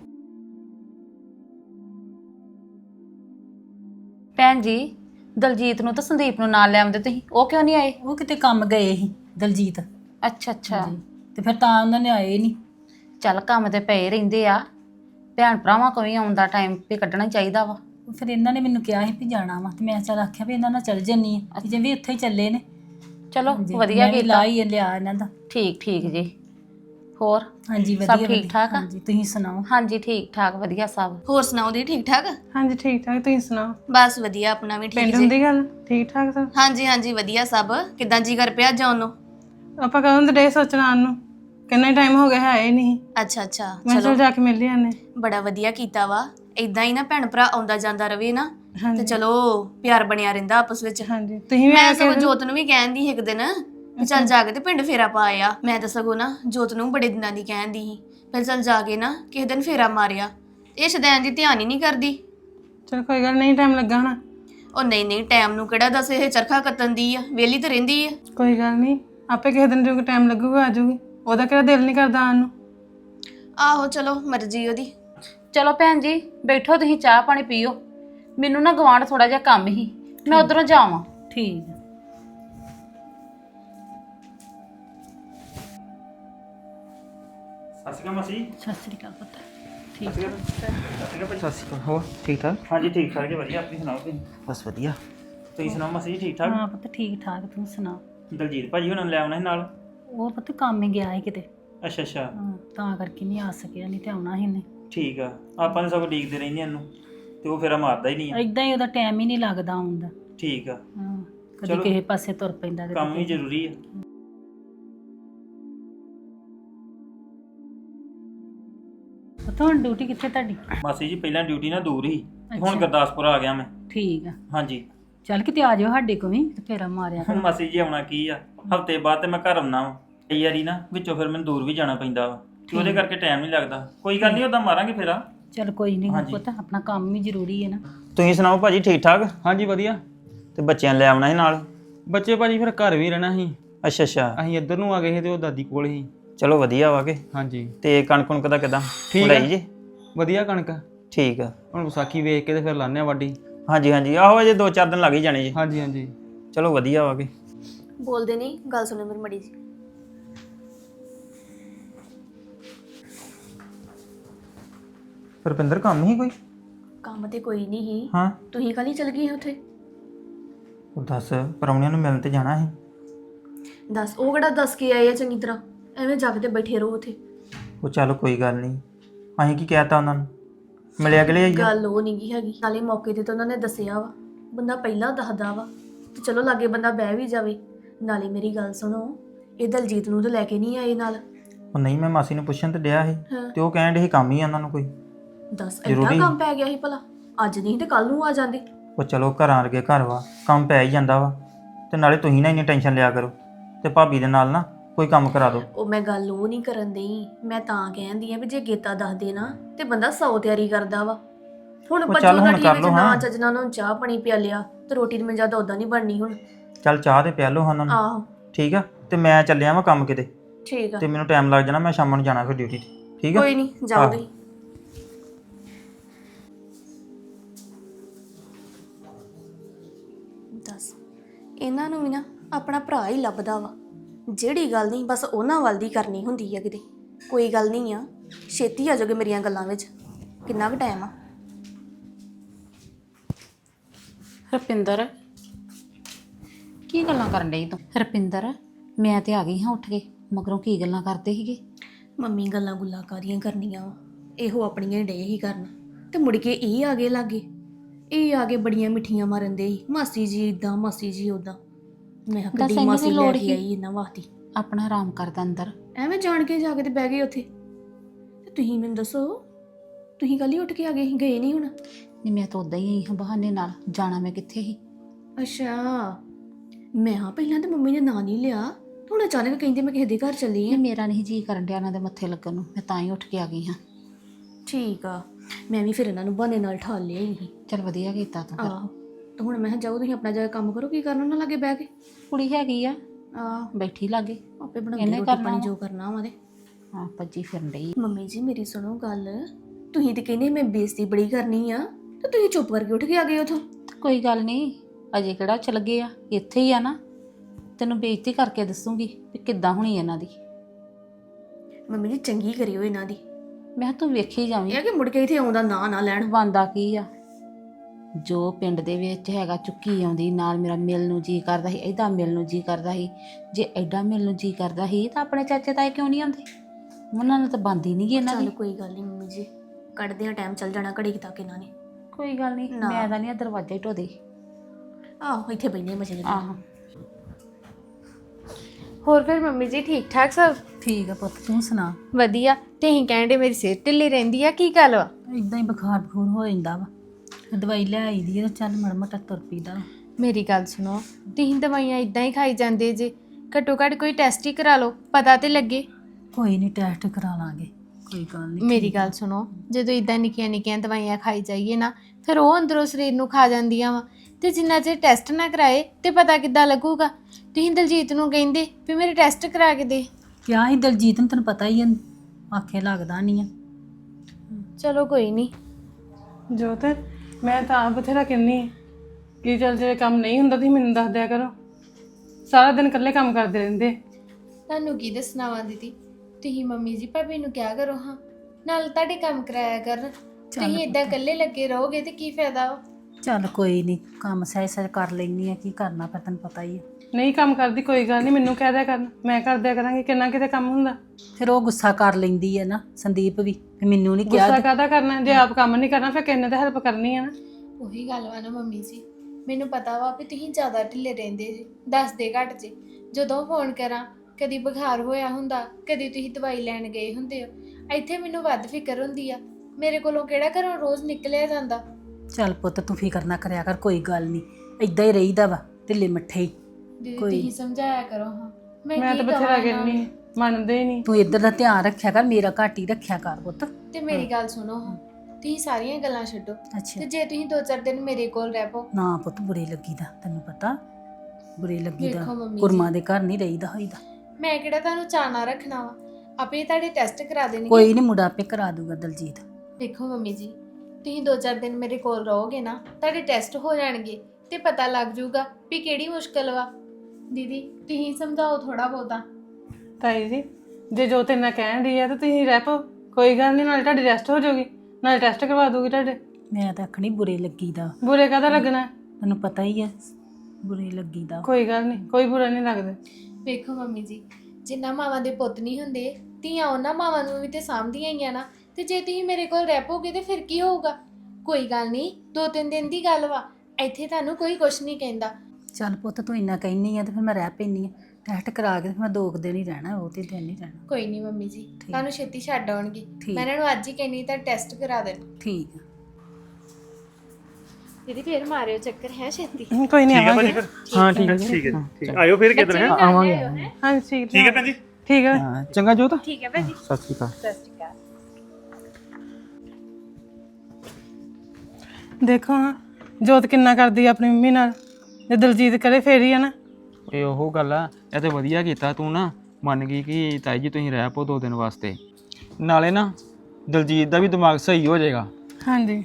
Speaker 3: ਭੈਣ ਜੀ ਦਲਜੀਤ ਨੂੰ ਤਾਂ ਸੰਦੀਪ ਨੂੰ ਨਾਲ ਲੈ ਆਉਂਦੇ ਤੁਸੀਂ, ਉਹ ਕਿਉਂ ਨਹੀਂ ਆਏ?
Speaker 8: ਉਹ ਕਿਤੇ ਕੰਮ ਗਏ ਸੀ ਦਲਜੀਤ।
Speaker 3: ਅੱਛਾ ਅੱਛਾ
Speaker 8: ਤੇ ਫਿਰ ਤਾਂ ਉਹਨਾਂ ਨੇ ਆਏ ਨਹੀਂ।
Speaker 3: ਚੱਲ ਕੰਮ ਤੇ ਪਏ ਰਹਿੰਦੇ ਆ, ਭੈਣ ਭਰਾਵਾਂ ਕੋਈ ਆਉਣ ਦਾ ਟਾਈਮ ਵੀ ਕੱਢਣਾ ਚਾਹੀਦਾ ਵਾ।
Speaker 8: ਫਿਰ ਇਹਨਾਂ ਨੇ ਮੈਨੂੰ ਕਿਹਾ ਸੀ ਵੀ ਜਾਣਾ ਵਾ ਤੇ ਮੈਂ ਚੱਲ ਆਖਿਆ ਵੀ ਇਹਨਾਂ ਨਾਲ ਚੱਲ ਜੰਨੀ ਆ ਜੇ ਵੀ ਉੱਥੇ ਹੀ ਚੱਲੇ ਨੇ।
Speaker 3: ਚਲੋ
Speaker 8: ਹਾਂਜੀ,
Speaker 3: ਵਧੀਆ
Speaker 8: ਮੈਂ ਵੀ
Speaker 3: ਕੀਤਾ।
Speaker 8: ਲਾ ਹੀ ਲਿਆ ਇਹਨਾਂ ਦਾ।
Speaker 3: ਠੀਕ ਠੀਕ ਜੀ। ਹੋਰ
Speaker 8: ਹਾਂਜੀ
Speaker 3: ਸਭ
Speaker 8: ਵਧੀਆ
Speaker 3: ਠੀਕ ਠਾਕ ਆ?
Speaker 8: ਹਾਂਜੀ ਤੁਸੀਂ ਸੁਣਾਓ।
Speaker 3: ਹਾਂਜੀ ਠੀਕ ਠਾਕ ਵਧੀਆ ਸਭ।
Speaker 1: ਹੋਰ ਸੁਣਾਓ ਦੀ ਠੀਕ ਠਾਕ?
Speaker 6: ਹਾਂਜੀ ਠੀਕ ਠਾਕ, ਤੁਸੀਂ ਸੁਣਾਓ।
Speaker 1: ਬਸ ਵਧੀਆ, ਆਪਣਾ ਵੀ ਠੀਕ
Speaker 6: ਪਿੰਡ
Speaker 1: ਜੀ।
Speaker 6: ਹੁੰਦੀ ਗੱਲ ਠੀਕ ਠਾਕ ਸਭ?
Speaker 1: ਹਾਂਜੀ ਹਾਂਜੀ ਵਧੀਆ ਸਭ। ਕਿੱਦਾਂ ਜੀ ਕਰ ਪਿਆ ਜਾਣ ਨੂੰ?
Speaker 6: ਆਪਾਂ ਕਦੋਂ ਦੇ ਡੇ ਸੋਚਣਾ ਆਉਣ ਨੂੰ, ਕਿੰਨਾ ਟਾਈਮ ਹੋ ਗਿਆ ਹੈ ਹੀ ਨਹੀਂ।
Speaker 1: ਅੱਛਾ ਅੱਛਾ
Speaker 6: ਮੈਂ ਚਲ
Speaker 1: ਚਲੋ
Speaker 6: ਜਾ ਕੇ ਮਿਲ ਲਿਆਨੇ।
Speaker 1: ਬੜਾ ਵਧੀਆ ਕੀਤਾ ਵਾ। ਇਦਾਂ ਹੀ ਨਾ ਭੈਣ ਭਰਾ ਆਉਂਦਾ ਜਾਂਦਾ ਰਵੇ ਨਾ ਤੇ
Speaker 6: ਹਾਂਜੀ
Speaker 1: ਚਲੋ ਪਿਆਰ ਬਣਿਆ ਰਹਿੰਦਾ ਆਪਸ ਵਿੱਚ।
Speaker 6: ਹਾਂਜੀ ਤੁਸੀਂ ਵੀ
Speaker 1: ਮੈਂ
Speaker 6: ਆ
Speaker 1: ਸਗੋਂ
Speaker 6: ਕੇ
Speaker 1: ਜੋਤ ਨੂੰ ਵੀ ਕਹਿੰਦੀ ਇੱਕ ਦਿਨ ਵੀ ਚੱਲ ਜਾ ਕੇ ਤੇ ਪਿੰਡ ਫੇਰਾ ਪਾ ਆ। ਮੈਂ ਤਾਂ ਸਗੋਂ ਨਾ ਜੋਤ ਨੂੰ ਬੜੇ ਦਿਨਾਂ ਦੀ ਕਹਿੰਦੀ ਸੀ ਫਿਰ ਚੱਲ ਜਾ ਕੇ ਨਾ ਕਿਸੇ ਦਿਨ ਫੇਰਾ ਮਾਰਿਆ। ਇਹ ਸ਼ਦੈਨ ਦੀ ਧਿਆਨ ਹੀ ਨਹੀਂ ਕਰਦੀ।
Speaker 6: ਚਲ ਕੋਈ ਗੱਲ ਨਹੀਂ, ਟਾਈਮ ਲੱਗਾ ਹੋਣਾ।
Speaker 1: ਉਹ ਨਹੀਂ ਨਹੀਂ ਟਾਈਮ ਨੂੰ ਕਿਹੜਾ ਦੱਸ, ਇਹ ਚਰਖਾ ਕੱਤਣ ਦੀ ਆ, ਵਿਹਲੀ ਤਾਂ ਰਹਿੰਦੀ ਆ।
Speaker 6: ਕੋਈ ਗੱਲ ਨਹੀਂ, ਆਪੇ ਕਿਸੇ ਦਿਨ ਜੋ ਟਾਈਮ ਲੱਗੂਗਾ ਆ ਜਾਊਗੀ। ਉਹਦਾ ਕਿਹੜਾ ਦਿਲ ਨਹੀਂ ਕਰਦਾ ਆਉਣ ਨੂੰ।
Speaker 1: ਆਹੋ ਚਲੋ ਮਰਜ਼ੀ ਉਹਦੀ।
Speaker 3: ਚਲੋ ਭੈਣ ਜੀ ਬੈਠੋ, ਤੁਸੀਂ ਚਾਹ ਪਾਣੀ ਪੀਓ। ਮੈਨੂੰ ਨਾ ਗਵਾਂਢ ਥੋੜਾ ਜਿਹਾ ਕੰਮ ਹੀ, ਮੈਂ ਉਧਰੋਂ ਜਾਵਾਂ।
Speaker 8: ਠੀਕ ਆ।
Speaker 2: ਸਤਿ ਸ਼੍ਰੀ ਅਕਾਲ ਮਾਸੀ।
Speaker 8: ਸਤਿ ਸ੍ਰੀ ਅਕਾਲ ਪੁੱਤ। ਠੀਕ
Speaker 2: ਸਤਿ ਸ਼੍ਰੀ ਅਕਾਲ ਭਾਜੀ।
Speaker 5: ਸਤਿ ਸ਼੍ਰੀ ਅਕਾਲ। ਹੋਰ ਠੀਕ ਠਾਕ?
Speaker 2: ਹਾਂਜੀ ਠੀਕ ਠਾਕ ਜੀ ਵਧੀਆ। ਆਪਣੀ ਸੁਣਾਓ ਤੁਸੀਂ?
Speaker 5: ਬਸ ਵਧੀਆ।
Speaker 2: ਤੁਸੀਂ ਸੁਣਾਓ ਮਾਸੀ ਜੀ ਠੀਕ ਠਾਕ?
Speaker 8: ਹਾਂ ਪੁੱਤ ਠੀਕ ਠਾਕ, ਤੂੰ ਸੁਣਾ।
Speaker 2: ਦਲਜੀਤ ਭਾਜੀ ਉਹਨਾਂ ਨੂੰ ਲੈ ਆਉਣਾ ਸੀ ਨਾਲ।
Speaker 8: ਉਹ ਪੁੱਤ ਕੰਮ ਹੀ ਗਿਆ ਸੀ ਕਿਤੇ।
Speaker 2: ਅੱਛਾ ਅੱਛਾ
Speaker 8: ਹਾਂ, ਤਾਂ ਕਰਕੇ ਨਹੀਂ ਆ ਸਕਿਆ, ਨਹੀਂ ਤੇ ਆਉਣਾ ਸੀ ਇਹਨੇ।
Speaker 2: ਠੀਕ ਆ। ਆਪਾਂ ਨੇ ਸਭ ਉਡੀਕਦੇ ਰਹਿੰਦੇ ਇਹਨੂੰ ਤੇ ਉਹ ਫੇਰਾ ਮਾਰਦਾ ਹੀ ਨਹੀਂ ਆ।
Speaker 8: ਇਦਾਂ ਹੀ ਉਹਦਾ ਟਾਈਮ ਹੀ ਨਹੀਂ ਲੱਗਦਾ ਆਉਣ ਦਾ।
Speaker 2: ਠੀਕ ਆ।
Speaker 8: ਹਾਂ, ਕਦੀ
Speaker 2: ਚਲੋ।
Speaker 8: ਕਿਸੇ ਪਾਸੇ ਤੁਰ ਪੈਂਦਾ ਕਦੀ
Speaker 2: ਕੰਮ ਵੀ
Speaker 8: ਕਿਸੇ-
Speaker 2: ਜ਼ਰੂਰੀ ਆ।
Speaker 8: ਪੁੱਤ ਹੁਣ ਡਿਊਟੀ ਕਿੱਥੇ ਤੁਹਾਡੀ?
Speaker 2: ਮਾਸੀ ਜੀ ਪਹਿਲਾਂ ਡਿਊਟੀ ਨਾ ਦੂਰ ਹੀ, ਤੇ ਹੁਣ
Speaker 8: ਅੱਛਾ।
Speaker 2: ਗੁਰਦਾਸਪੁਰ ਆ ਗਿਆ ਮੈਂ।
Speaker 8: ਠੀਕ ਆ।
Speaker 2: ਹਾਂਜੀ
Speaker 8: ਚੱਲ ਕਿਤੇ ਆ ਜਾਓ ਸਾਡੇ ਕੋਲ ਵੀ ਤੇ ਫੇਰਾ ਮਾਰਿਆ
Speaker 2: ਹੁਣ
Speaker 8: ਕਰੋ।
Speaker 2: ਮਾਸੀ ਜੀ ਆਉਣਾ ਕੀ ਆ, ਹਫਤੇ ਬਾਅਦ ਤੇ ਮੈਂ ਘਰ ਆਉਣਾ ਵਾ। ਕਈ ਵਾਰੀ ਨਾ ਵਿੱਚੋਂ ਫਿਰ ਮੈਨੂੰ ਦੂਰ ਵੀ ਜਾਣਾ ਪੈਂਦਾ ਵਾ ਤੇ ਉਹਦੇ ਕਰਕੇ ਟਾਈਮ ਨਹੀਂ ਲੱਗਦਾ। ਕੋਈ ਗੱਲ ਨਹੀਂ, ਉਦਾਂ ਮਾਰਾਂਗੇ ਫੇਰਾ।
Speaker 8: ਚੱਲ ਕੋਈ ਨਹੀਂ
Speaker 2: ਹਾਂਜੀ।
Speaker 8: ਪੁੱਤ, ਆਪਣਾ ਕੰਮ ਵੀ ਜ਼ਰੂਰੀ ਹੈ ਨਾ।
Speaker 2: ਤੁਸੀਂ ਸੁਣਾਓ ਭਾਜੀ ਠੀਕ ਠਾਕ?
Speaker 9: ਹਾਂਜੀ ਵਧੀਆ।
Speaker 2: ਤੇ ਬੱਚਿਆਂ ਨੂੰ ਲੈ ਆਉਣਾ ਸੀ ਨਾਲ।
Speaker 9: ਬੱਚੇ ਭਾਜੀ ਫਿਰ ਘਰ ਵੀ ਰਹਿਣਾ ਸੀ।
Speaker 2: ਅੱਛਾ ਅੱਛਾ
Speaker 9: ਅਸੀਂ ਇੱਧਰ ਨੂੰ ਆ ਗਏ ਸੀ ਤੇ ਉਹ ਦਾਦੀ ਕੋਲ ਸੀ।
Speaker 2: ਚਲੋ ਵਧੀਆ ਵਾ ਕੇ।
Speaker 9: ਹਾਂਜੀ
Speaker 2: ਤੇ ਕਣਕ ਕੁਣਕ ਦਾ ਕਿਦਾਂ
Speaker 9: ਠੀਕ
Speaker 2: ਉਡਾਈ
Speaker 9: ਆ।
Speaker 2: ਜੀ?
Speaker 9: ਵਧੀਆ ਕਣਕ।
Speaker 2: ਠੀਕ ਆ।
Speaker 9: ਹੁਣ ਵਿਸਾਖੀ ਵੇਖ ਕੇ ਤੇ ਫਿਰ ਲਾਉਂਦੇ ਆ ਵਾਢੀ।
Speaker 2: ਹਾਂਜੀ ਹਾਂਜੀ ਆਹੋ ਅਜੇ ਦੋ ਚਾਰ ਦਿਨ ਲੱਗ ਹੀ ਜਾਣੇ ਜੀ।
Speaker 9: ਹਾਂਜੀ ਹਾਂਜੀ
Speaker 2: ਚਲੋ ਵਧੀਆ ਵਾ ਕੇ।
Speaker 1: ਬੋਲਦੇ ਨਹੀਂ, ਗੱਲ ਸੁਣੋ ਮੇਰੀ ਮੜੀ ਜੀ।
Speaker 2: ਰੁਪਿੰਦਰ ਕੰਮ ਹੀ ਕੋਈ?
Speaker 1: ਕੰਮ ਤੇ ਕੋਈ ਨਹੀਂ ਹੀ।
Speaker 2: ਹਾਂ
Speaker 1: ਤੁਸੀਂ ਕੱਲ ਹੀ ਚਲ ਗਏ ਉੱਥੇ?
Speaker 2: ਉਹ ਦੱਸ, ਪਰੌਣਿਆਂ ਨੂੰ ਮਿਲਣ ਤੇ ਜਾਣਾ ਸੀ।
Speaker 1: ਦੱਸ ਉਹ ਕਿਹੜਾ ਦੱਸ ਕੇ ਆਏ ਆ ਚੰਗੀ ਤਰ੍ਹਾਂ? ਐਵੇਂ ਜਾ ਕੇ ਤੇ ਬੈਠੇ ਰਹੋ ਉੱਥੇ।
Speaker 2: ਉਹ ਚੱਲ ਕੋਈ ਗੱਲ ਨਹੀਂ, ਅਸੀਂ ਕੀ ਕਹਿਤਾ ਉਹਨਾਂ ਨੂੰ, ਮਿਲਿਆ ਕਿ ਲਈ
Speaker 1: ਗੱਲ ਉਹ ਨਹੀਂ ਗੀ ਹੈਗੀ। ਨਾਲੇ ਮੌਕੇ ਤੇ ਤਾਂ ਉਹਨਾਂ ਨੇ ਦੱਸਿਆ ਵਾ, ਬੰਦਾ ਪਹਿਲਾਂ ਦੱਸਦਾ ਵਾ ਤੇ ਚਲੋ ਲਾਗੇ ਬੰਦਾ ਬਹਿ ਵੀ ਜਾਵੇ। ਨਾਲੇ ਮੇਰੀ ਗੱਲ ਸੁਣੋ, ਇਹ ਦਲਜੀਤ ਨੂੰ ਤਾਂ ਲੈ ਕੇ ਨਹੀਂ ਆਏ ਨਾਲ?
Speaker 2: ਉਹ ਨਹੀਂ, ਮੈਂ ਮਾਸੀ ਨੂੰ ਪੁੱਛਣ ਤੇ ਡਿਆ ਸੀ
Speaker 1: ਹਾਂ।
Speaker 2: ਤੇ ਉਹ ਕਹਿਣ ਡੇ ਸੀ ਕੰਮ ਹੀ ਆ ਉਹਨਾਂ ਨੂੰ ਕੋਈ।
Speaker 1: ਦੱਸ ਇੰਨਾ
Speaker 2: ਜ਼ਰੂਰੀ?
Speaker 1: ਕੰਮ ਪੈ ਗਿਆ ਸੀ ਭਲਾ? ਅੱਜ ਨਹੀਂ ਤੇ ਕੱਲ ਨੂੰ ਆ ਜਾਂਦੇ।
Speaker 2: ਉਹ ਚਲੋ ਘਰਾਂ ਵਰਗੇ ਘਰ ਵਾ, ਕੰਮ ਪੈ ਹੀ ਜਾਂਦਾ ਵਾ। ਤੇ ਨਾਲੇ ਤੁਸੀਂ ਨਾ ਇੰਨੀ ਟੈਨਸ਼ਨ ਲਿਆ ਕਰੋ ਤੇ ਭਾਬੀ ਦੇ ਨਾਲ ਨਾ ਕੋਈ ਕੰਮ ਕਰਾ ਦਿਓ।
Speaker 1: ਉਹ ਮੈਂ ਗੱਲ ਉਹ ਨਹੀਂ ਕਰਨ ਦਈ, ਮੈਂ ਤਾਂ ਕਹਿੰਦੀ ਆ ਵੀ ਜੇ ਗੇਤਾ ਦੱਸ ਦੇ ਨਾ ਤੇ ਬੰਦਾ ਸੌ ਤਿਆਰੀ ਕਰਦਾ ਵਾ। ਹੁਣ
Speaker 2: ਉਹ
Speaker 1: ਬੱਚੋ
Speaker 2: ਚੱਲ
Speaker 1: ਦਾ
Speaker 2: ਹੁਣ
Speaker 1: ਕੀ
Speaker 2: ਕਰ
Speaker 1: ਵਿੱਚ
Speaker 2: ਲਓ,
Speaker 1: ਨਾ
Speaker 2: ਹਾਂ।
Speaker 1: ਚੱਜਣਾ ਉਹਨਾਂ ਨੂੰ ਚਾਹ ਪਾਣੀ ਪਿਆ ਲਿਆ ਤੇ ਰੋਟੀ ਤੇ ਮੈਂ ਜ਼ਿਆਦਾ ਉਦਾਂ ਨਹੀਂ ਬਣਨੀ ਹੁਣ।
Speaker 2: ਚੱਲ ਚਾਹ ਤੇ ਪਿਆ ਲਓ ਉਹਨਾਂ ਨੂੰ।
Speaker 1: ਆਹੋ
Speaker 2: ਠੀਕ ਆ। ਤੇ ਮੈਂ ਚੱਲਿਆ ਵਾਂ ਕੰਮ ਕਿਤੇ,
Speaker 1: ਠੀਕ ਆ।
Speaker 2: ਤੇ ਮੈਨੂੰ ਟਾਈਮ ਲੱਗ ਜਾਣਾ, ਮੈਂ ਸ਼ਾਮ ਨੂੰ ਜਾਣਾ ਫਿਰ ਡਿਊਟੀ ਤੇ। ਠੀਕ ਆ।
Speaker 1: ਕੋਈ ਨਹੀਂ, ਜਾਓ
Speaker 2: ਆਹੋ।
Speaker 1: ਤੁਸੀਂ। ਦੱਸ ਇਹਨਾਂ ਨੂੰ ਵੀ ਨਾ ਆਪਣਾ ਭਰਾ ਹੀ ਲੱਭਦਾ ਵਾ। ਜਿਹੜੀ ਗੱਲ ਨਹੀਂ ਬਸ ਉਹਨਾਂ ਵੱਲ ਦੀ ਕਰਨੀ ਹੁੰਦੀ ਆ ਕਿਤੇ। ਕੋਈ ਗੱਲ ਨਹੀਂ ਆ, ਛੇਤੀ ਆ ਜਾਓਗੇ ਮੇਰੀਆਂ ਗੱਲਾਂ ਵਿੱਚ। ਕਿੰਨਾ ਕੁ ਟਾਈਮ ਆ?
Speaker 3: ਰੁਪਿੰਦਰ ਕੀ ਗੱਲਾਂ ਕਰਨ ਡਈ ਤੂੰ? ਰੁਪਿੰਦਰ ਮੈਂ ਤੇ ਆ ਗਈ ਹਾਂ ਉੱਠ ਕੇ, ਮਗਰੋਂ ਕੀ ਗੱਲਾਂ ਕਰਦੇ ਸੀਗੇ?
Speaker 1: ਮੰਮੀ ਗੱਲਾਂ ਗੁੱਲਾਂ ਕਾਦੀਆਂ ਕਰਨੀਆਂ ਵਾ, ਇਹੋ ਆਪਣੀਆਂ ਹੀ ਡੇ ਹੀ ਕਰਨ ਤੇ ਮੁੜ ਕੇ ਇਹ ਆ ਗਏ ਲਾਗੇ। ਇਹ ਆ ਕੇ ਬੜੀਆਂ ਮਿੱਠੀਆਂ ਮਾਰਨ ਦੇ ਸੀ, ਮਾਸੀ ਜੀ ਇਦਾਂ ਮਾਸੀ ਜੀ ਉਦਾਂ। ਮੈਂ ਕਿਹਾ
Speaker 3: ਦੱਸ
Speaker 1: ਕਿੱਡੀ
Speaker 3: ਇਹਨੂੰ
Speaker 1: ਮਾਸੀ
Speaker 3: ਕੀ
Speaker 1: ਲੈ
Speaker 3: ਲੋੜ
Speaker 1: ਕੇ
Speaker 3: ਸੀ?
Speaker 1: ਆਈ ਇਹਨਾਂ ਵਾਸਤੇ।
Speaker 3: ਆਪਣਾ ਆਰਾਮ ਕਰਦਾ ਅੰਦਰ।
Speaker 1: ਐਵੇਂ ਜਾਣ ਕੇ ਜਾ ਕੇ ਤੇ ਬਹਿ ਗਏ ਉੱਥੇ। ਤੇ ਤੁਸੀਂ ਮੈਨੂੰ ਦੱਸੋ, ਤੁਸੀਂ ਕੱਲ ਹੀ ਉੱਠ ਕੇ ਆ ਗਏ ਸੀ, ਗਏ ਨਹੀਂ ਹੁਣ?
Speaker 3: ਨਹੀਂ ਮੈਂ ਤਾਂ ਉਦਾਂ ਹੀ ਆਈ ਹਾਂ ਬਹਾਨੇ ਨਾਲ, ਜਾਣਾ ਮੈਂ ਕਿੱਥੇ ਸੀ।
Speaker 1: ਅੱਛਾ, ਮੈਂ ਹਾਂ ਪਹਿਲਾਂ ਤਾਂ ਮੰਮੀ ਨੇ ਨਾਂ ਨਹੀਂ ਲਿਆ, ਤੇ ਹੁਣ ਅਚਾਨਕ ਕਹਿੰਦੇ ਮੈਂ ਕਿਸੇ ਦੇ ਘਰ ਚੱਲੀ
Speaker 3: ਇਹ
Speaker 1: ਆ।
Speaker 3: ਮੇਰਾ ਨਹੀਂ ਜੀ ਕਰਨ ਡਿਆ ਇਹਨਾਂ ਦੇ ਮੱਥੇ ਲੱਗਣ ਨੂੰ, ਮੈਂ ਤਾਂ ਹੀ ਉੱਠ ਕੇ ਆ ਗਈ ਹਾਂ।
Speaker 1: ਠੀਕ ਆ, ਮੈਂ ਵੀ ਫਿਰ ਇਹਨਾਂ ਨੂੰ ਬਹਾਨੇ ਨਾਲ ਠਾਲ ਲਿਆ ਹੀ।
Speaker 3: ਚਲ ਵਧੀਆ ਕੀਤਾ ਤੂੰ। ਫਿਰ
Speaker 1: ਆਹੋ, ਤੇ ਹੁਣ ਮੈਂ ਕਿਹਾ ਜਾਓ ਤੁਸੀਂ ਆਪਣਾ ਜਾ ਕੇ ਕੰਮ ਕਰੋ, ਕੀ ਕਰਨਾ ਉਹਨਾਂ ਲਾਗੇ ਬਹਿ ਕੇ।
Speaker 3: ਕੁੜੀ ਹੈਗੀ ਆ
Speaker 1: ਆਹ
Speaker 3: ਬੈਠੀ ਲਾਗੇ,
Speaker 1: ਆਪੇ ਬਣਾਉਂਦੇ
Speaker 3: ਇਹਨੇ
Speaker 1: ਰੋਟੀ
Speaker 3: ਕਰਨਾ
Speaker 1: ਪਾਣੀ
Speaker 3: ਵਾ।
Speaker 1: ਜੋ ਕਰਨਾ ਵਾ ਤੇ।
Speaker 3: ਹਾਂ ਭੱਜੀ ਫਿਰਨ ਡਈ।
Speaker 1: ਮੰਮੀ ਜੀ ਮੇਰੀ ਸੁਣੋ ਗੱਲ, ਤੁਸੀਂ ਤੇ ਕਹਿੰਦੇ ਮੈਂ ਬੇਇੱਜ਼ਤੀ ਬੜੀ ਕਰਨੀ ਆ, ਤੇ ਤੁਸੀਂ ਚੁੱਪ ਕਰਕੇ ਉੱਠ ਕੇ ਆ ਗਏ ਉਥੋਂ।
Speaker 3: ਕੋਈ ਗੱਲ ਨਹੀਂ, ਅਜੇ ਕਿਹੜਾ ਚਲ ਗਏ ਆ, ਇੱਥੇ ਹੀ ਆ ਨਾ। ਤੈਨੂੰ ਬੇਇੱਜ਼ਤੀ ਕਰਕੇ ਦੱਸੂਗੀ ਵੀ ਕਿੱਦਾਂ ਹੋਣੀ ਇਹਨਾਂ ਦੀ।
Speaker 1: ਮੰਮੀ ਜੀ ਚੰਗੀ ਕਰਿਓ ਇਹਨਾਂ ਦੀ,
Speaker 3: ਮੈਂ ਕਿਹਾ ਤੂੰ ਵੇਖੀ ਜਾਵੀਂ
Speaker 1: ਇਹ ਕਿ ਮੁੜ ਕੇ ਇੱਥੇ ਆਉਂਦਾ ਨਾ ਨਾ ਲੈਣ।
Speaker 3: ਬੰਦਾ ਕੀ ਆ, ਜੋ ਪਿੰਡ ਦੇ ਵਿੱਚ ਹੈਗਾ ਚੁੱਕੀ ਆਉਂਦੀ ਨਾਲ। ਮੇਰਾ ਮਿਲ ਨੂੰ ਜੀ ਕਰਦਾ ਸੀ, ਐਡਾ ਮਿਲ ਨੂੰ ਜੀ ਕਰਦਾ ਸੀ। ਜੇ ਐਡਾ ਮਿਲ ਨੂੰ ਜੀ ਕਰਦਾ ਸੀ ਤਾਂ ਆਪਣੇ ਚਾਚੇ ਤਾਏ ਕਿਉਂ ਨਹੀਂ ਆਉਂਦੇ? ਉਹਨਾਂ ਨੂੰ ਤਾਂ ਬੰਦੀ ਨਹੀਂ ਗੀ ਇਹਨਾਂ
Speaker 1: ਚੱਲ
Speaker 3: ਦੀ।
Speaker 1: ਕੋਈ ਗੱਲ ਨਹੀਂ ਮੰਮੀ ਜੀ, ਕੱਢਦੇ ਆ ਟਾਈਮ, ਚੱਲ ਜਾਣਾ ਘੜੀ ਤੱਕ ਇਹਨਾਂ ਨੇ।
Speaker 3: ਕੋਈ ਗੱਲ ਨਹੀਂ,
Speaker 1: ਨਾ।
Speaker 3: ਮੈਂ ਤਾਂ ਨਹੀਂ ਦਰਵਾਜ਼ਾ ਹੀ ਢੋਦੇ।
Speaker 1: ਆਹੋ ਇੱਥੇ ਬੈਠੇ ਮਜ਼ੇ ਨਾਲ।
Speaker 3: ਆਹੋ
Speaker 4: ਹੋਰ ਫਿਰ ਮੰਮੀ ਜੀ ਠੀਕ ਠਾਕ ਸਭ?
Speaker 8: ਠੀਕ ਆ ਪੁੱਤ, ਤੂੰ ਸੁਣਾ?
Speaker 4: ਵਧੀਆ। ਤੇ ਅਸੀਂ ਕਹਿੰਦੇ ਮੇਰੀ ਸਿਹਤ ਢਿੱਲੀ ਰਹਿੰਦੀ ਆ, ਕੀ ਗੱਲ ਵਾ?
Speaker 8: ਇਦਾਂ ਹੀ ਬੁਖਾਰ ਬਖੂਰ ਹੋ ਜਾਂਦਾ ਵਾ, ਫਿਰ ਦਵਾਈ ਲੈ ਆਈ ਦੀ ਆ, ਚੱਲ ਮਾੜਾ ਮੋਟਾ ਤੁਰ ਪੀਦਾ।
Speaker 4: ਮੇਰੀ ਗੱਲ ਸੁਣੋ, ਤੁਸੀਂ ਦਵਾਈਆਂ ਇਦਾਂ ਹੀ ਖਾਈ ਜਾਂਦੇ ਜੇ, ਘੱਟੋ ਘੱਟ ਕੋਈ ਟੈਸਟ ਹੀ ਕਰਾ ਲਓ, ਪਤਾ ਤੇ ਲੱਗੇ।
Speaker 8: ਕੋਈ ਨਹੀਂ, ਟੈਸਟ ਕਰਾ ਲਾਂਗੇ, ਕੋਈ ਗੱਲ ਨਹੀਂ।
Speaker 4: ਮੇਰੀ ਗੱਲ ਸੁਣੋ, ਜਦੋਂ ਇਦਾਂ ਨਿੱਕੀਆਂ ਨਿੱਕੀਆਂ ਦਵਾਈਆਂ ਖਾਈ ਜਾਈਏ ਨਾ, ਫਿਰ ਉਹ ਅੰਦਰੋਂ ਸਰੀਰ ਨੂੰ ਖਾ ਜਾਂਦੀਆਂ ਵਾ। ਤੇ ਜਿੰਨਾ ਚਿਰ ਟੈਸਟ ਨਾ ਕਰਾਏ ਤੇ ਪਤਾ ਕਿੱਦਾਂ ਲੱਗੂਗਾ? ਤੁਸੀਂ ਦਲਜੀਤ ਨੂੰ ਕਹਿੰਦੇ ਵੀ ਮੇਰੇ ਟੈਸਟ ਕਰਾ ਕੇ ਦੇ।
Speaker 8: ਕਿਹਾ ਸੀ ਦਲਜੀਤ ਨੂੰ, ਤੈਨੂੰ ਪਤਾ ਹੀ ਆ, ਆਖੇ ਲੱਗਦਾ ਨਹੀਂ ਆ।
Speaker 4: ਚਲੋ ਕੋਈ ਨਹੀਂ।
Speaker 6: ਜੋਤ, ਮੈਂ ਤਾਂ ਆਪ ਬਥੇਰਾ ਕਹਿੰਦੀ ਹਾਂ ਕਿ ਚੱਲ ਜੇ ਕੰਮ ਨਹੀਂ ਹੁੰਦਾ ਤੁਸੀਂ ਮੈਨੂੰ ਦੱਸ ਦਿਆ ਕਰੋ। ਸਾਰਾ ਦਿਨ ਇਕੱਲੇ ਕੰਮ ਕਰਦੇ ਰਹਿੰਦੇ।
Speaker 4: ਤੁਹਾਨੂੰ ਕੀ ਦੱਸਣਾ ਵਾ ਦੀਦੀ, ਤੁਸੀਂ ਮੰਮੀ ਜੀ ਭਾਬੀ ਨੂੰ ਕਿਹਾ ਕਰੋ ਹਾਂ, ਨਾਲ ਤੁਹਾਡੇ ਕੰਮ ਕਰਾਇਆ ਕਰਨ। ਤੁਸੀਂ ਇਦਾਂ ਇਕੱਲੇ ਲੱਗੇ ਰਹੋਗੇ ਤੇ ਕੀ ਫਾਇਦਾ ਵਾ?
Speaker 8: ਚੱਲ ਕੋਈ ਨਹੀਂ, ਕੰਮ ਸਹਿ ਸਹਿ ਕਰ ਲੈਣੀ ਆ, ਕੀ ਕਰਨਾ ਫਿਰ ਤੈਨੂੰ ਪਤਾ ਹੀ ਆ।
Speaker 6: ਨਹੀਂ ਕੰਮ ਕਰਦੀ ਕੋਈ ਗੱਲ ਨਹੀਂ, ਮੈਨੂੰ ਕਹਿ ਦਿਆ ਕਰਨ, ਮੈਂ ਕਰ ਦਿਆ ਕਰਾਂਗੀ, ਕਿੰਨਾ ਕਿਤੇ ਕੰਮ ਹੁੰਦਾ।
Speaker 8: ਫਿਰ ਉਹ ਗੁੱਸਾ ਕਰ ਲੈਂਦੀ ਆ ਨਾ ਸੰਦੀਪ ਵੀ, ਵੀ ਮੈਨੂੰ ਨਹੀਂ ਕਿਹਾ।
Speaker 6: ਗੁੱਸਾ ਕਾਹਦਾ ਕਰਨਾ, ਜੇ ਆਪ ਕੰਮ ਨਹੀਂ ਕਰਨਾ ਫਿਰ ਕਿਸੇ ਨੇ ਤਾਂ ਹੈਲਪ ਕਰਨੀ ਹੈ ਨਾ।
Speaker 4: ਉਹੀ ਗੱਲ ਵਾ ਨਾ ਮੰਮੀ ਜੀ, ਮੈਨੂੰ ਪਤਾ ਵਾ ਵੀ ਤੁਸੀਂ ਜ਼ਿਆਦਾ ਢਿੱਲੇ ਰਹਿੰਦੇ ਜੀ, ਦੱਸਦੇ ਘੱਟ ਜੇ। ਜਦੋਂ ਫੋਨ ਕਰਾਂ ਕਦੀ ਬੁਖਾਰ ਹੋਇਆ ਹੁੰਦਾ, ਕਦੀ ਤੁਸੀਂ ਦਵਾਈ ਲੈਣ ਗਏ ਹੁੰਦੇ ਹੋ। ਇੱਥੇ ਮੈਨੂੰ ਵੱਧ ਫਿਕਰ ਹੁੰਦੀ ਆ, ਮੇਰੇ ਕੋਲੋਂ ਕਿਹੜਾ ਘਰੋਂ ਰੋਜ਼ ਨਿਕਲਿਆ ਜਾਂਦਾ।
Speaker 8: ਚੱਲ ਪੁੱਤ ਤੂੰ ਫਿਕਰ ਨਾ ਕਰਿਆ ਕਰ, ਕੋਈ ਗੱਲ ਨਹੀਂ, ਇਦਾਂ ਹੀ ਰਹੀਦਾ ਵਾ ਢਿੱਲੇ ਮੱਠੇ ਹੀ।
Speaker 4: ਦੀਦੀ
Speaker 8: ਕੋਈ-
Speaker 4: ਤੁਸੀਂ ਸਮਝਾਇਆ ਕਰੋ ਹਾਂ।
Speaker 6: ਮੈਂ
Speaker 4: ਕੀ
Speaker 6: ਤਾਂ
Speaker 4: ਕਵਾਂ
Speaker 6: ਬਥੇਰਾ
Speaker 4: ਇਹਨਾਂ ਨੂੰ?
Speaker 6: ਕਹਿੰਦੀ, ਮੰਨਦੇ ਹੀ ਨਹੀਂ।
Speaker 8: ਤੂੰ ਇੱਧਰ ਦਾ ਧਿਆਨ ਰੱਖਿਆ ਕਰ, ਮੇਰਾ ਘੱਟ ਹੀ ਰੱਖਿਆ ਕਰ ਪੁੱਤ।
Speaker 4: ਤੇ ਮੇਰੀ ਗੱਲ ਸੁਣੋ ਹਾਂ, ਤੁਸੀਂ ਸਾਰੀਆਂ ਗੱਲਾਂ ਛੱਡੋ
Speaker 8: ਅੱਛਾ।
Speaker 4: ਤੇ ਜੇ ਤੁਸੀਂ ਦੋ ਚਾਰ ਦਿਨ ਮੇਰੇ ਕੋਲ ਰਹਿ ਪਓ।
Speaker 8: ਨਾ ਪੁੱਤ ਬੁਰੇ ਲੱਗੀਦਾ, ਤੈਨੂੰ ਪਤਾ ਬੁਰੇ ਲੱਗੀਦਾ,
Speaker 4: ਵੇਖੋ ਮੰਮੀ ਜੀ।
Speaker 8: ਕੁਰਮਾਂ ਦੇ ਘਰ ਨਹੀਂ ਰਹੀਦਾ ਹੋਈਦਾ।
Speaker 4: ਮੈਂ ਕਿਹੜਾ ਤੁਹਾਨੂੰ ਚਾਣਾ ਰੱਖਣਾ ਵਾ, ਆਪੇ ਤੁਹਾਡੇ ਟੈਸਟ ਕਰਾ ਦੇਣਗੇ।
Speaker 8: ਕੋਈ ਨਹੀਂ, ਮੁੰਡਾ ਆਪੇ ਕਰਾ ਦੂਗਾ ਦਲਜੀਤ।
Speaker 4: ਦੇਖੋ ਮੰਮੀ ਜੀ, ਤੁਸੀਂ ਦੋ ਚਾਰ ਦਿਨ ਮੇਰੇ ਕੋਲ ਰਹੋਗੇ ਨਾ, ਤੁਹਾਡੇ ਟੈਸਟ ਹੋ ਜਾਣਗੇ ਤੇ ਪਤਾ ਲੱਗ ਜਾਊਗਾ ਵੀ ਕਿਹੜੀ ਮੁਸ਼ਕਲ ਵਾ। ਦੀਦੀ ਤੁਸੀਂ ਸਮਝਾਓ ਥੋੜਾ ਬਹੁਤਾ।
Speaker 6: ਤਾਈ ਜੀ, ਜੇ ਜੋ ਤੇਰੇ ਨਾਲ ਕਹਿਣ ਰਹੀ ਹੈ ਤਾਂ ਤੁਸੀਂ ਰਹਿ ਪਓ, ਕੋਈ ਗੱਲ ਨਹੀਂ, ਨਾਲੇ ਤੁਹਾਡੀ ਰੈਸਟ ਹੋ ਜਾਊਗੀ, ਨਾਲੇ ਟੈਸਟ ਕਰਵਾ ਦੂਗੀ ਤੁਹਾਡੇ।
Speaker 8: ਮੈਂ ਤਾਂ ਆਖਣੀ ਬੁਰੇ ਲੱਗੀਦਾ,
Speaker 6: ਬੁਰੇ ਕਾਹਦਾ ਲੱਗਣਾ?
Speaker 8: ਤੈਨੂੰ ਪਤਾ ਹੀ ਹੈ ਬੁਰੇ ਲੱਗੀਦਾ।
Speaker 6: ਕੋਈ ਗੱਲ ਨਹੀਂ, ਕੋਈ ਬੁਰਾ ਨਹੀਂ ਲੱਗਦਾ।
Speaker 4: ਵੇਖੋ ਮੰਮੀ ਜੀ, ਜਿੰਨਾ ਮਾਵਾਂ ਦੇ ਪੁੱਤ ਨਹੀਂ ਹੁੰਦੇ, ਧੀਆਂ ਉਹਨਾਂ ਮਾਵਾਂ ਨੂੰ ਵੀ ਤੇ ਸਾਂਭਦੀਆਂ ਹੀ ਆ ਨਾ। ਤੇ ਜੇ ਤੁਸੀਂ ਮੇਰੇ ਕੋਲ ਰਹਿ ਪੋਗੇ ਤੇ ਫਿਰ ਕੀ ਹੋਊਗਾ? ਕੋਈ ਗੱਲ ਨਹੀਂ, ਦੋ ਤਿੰਨ ਦਿਨ ਦੀ ਗੱਲ ਵਾ, ਇੱਥੇ ਤੁਹਾਨੂੰ ਕੋਈ ਕੁਛ ਨਹੀਂ ਕਹਿੰਦਾ।
Speaker 8: ਚੱਲ ਪੁੱਤ ਤੂੰ ਇੰਨਾ ਕਹਿੰਦੀ ਆ ਤੇ ਫਿਰ ਮੈਂ ਰਹਿ ਪੈਂਦੀ ਆ, ਟੈਸਟ ਕਰਾ ਕੇ ਫਿਰ ਮੈਂ ਦੋ ਕੁ ਦਿਨ ਹੀ ਰਹਿਣਾ, ਉਹ ਤੇ ਦਿਨ ਨਹੀਂ ਰਹਿਣਾ।
Speaker 4: ਕੋਈ ਨਹੀਂ ਮੰਮੀ ਜੀ, ਤੁਹਾਨੂੰ ਛੇਤੀ ਛੱਡ ਆਉਣਗੇ।
Speaker 8: ਠੀਕ।
Speaker 4: ਮੈਂ ਇਹਨਾਂ ਨੂੰ ਅੱਜ ਹੀ ਕਹਿੰਨੀ ਤਾਂ ਟੈਸਟ ਕਰਾ ਦੇਣ।
Speaker 8: ਠੀਕ ਆ।
Speaker 4: ਦੀਦੀ ਫਿਰ ਮਾਰਿਓ ਚੱਕਰ ਹੈ ਛੇਤੀ।
Speaker 6: ਕੋਈ ਨਹੀਂ ਆਵਾਂਗੇ।
Speaker 9: ਹਾਂ ਠੀਕ ਹੈ
Speaker 10: ਠੀਕ ਹੈ ਠੀਕ ਹੈ, ਆਇਓ ਫਿਰ ਕਿਤੇ ਹੈ।
Speaker 8: ਆਵਾਂਗੇ।
Speaker 6: ਹਾਂ ਠੀਕ
Speaker 10: ਠੀਕ ਹੈ ਭੈਣ ਜੀ।
Speaker 6: ਠੀਕ ਹੈ।
Speaker 9: ਹਾਂ ਚੰਗਾ ਜੋਤ,
Speaker 4: ਠੀਕ ਹੈ ਭਾਜੀ।
Speaker 9: ਸਤਿ ਸ਼੍ਰੀ ਅਕਾਲ।
Speaker 4: ਸਤਿ ਸ਼੍ਰੀ ਅਕਾਲ।
Speaker 6: ਦੇਖੋ ਹਾਂ ਜੋਤ ਕਿੰਨਾ ਕਰਦੀ ਆ ਆਪਣੀ ਮੰਮੀ ਨਾਲ, ਜੇ ਦਲਜੀਤ ਕਰੇ ਫੇਰ ਹੀ ਆ ਨਾ।
Speaker 9: ਇਹ ਉਹ ਗੱਲ ਆ, ਇਹ ਤੇ ਵਧੀਆ ਕੀਤਾ ਤੂੰ ਨਾ ਮੰਨ ਗਈ ਕਿ ਤਾਈ ਜੀ ਤੁਸੀਂ ਰਹਿ ਪਓ ਦੋ ਦਿਨ ਵਾਸਤੇ, ਨਾਲੇ ਨਾ ਦਲਜੀਤ ਦਾ ਵੀ ਦਿਮਾਗ ਸਹੀ ਹੋ ਜਾਏਗਾ।
Speaker 6: ਹਾਂਜੀ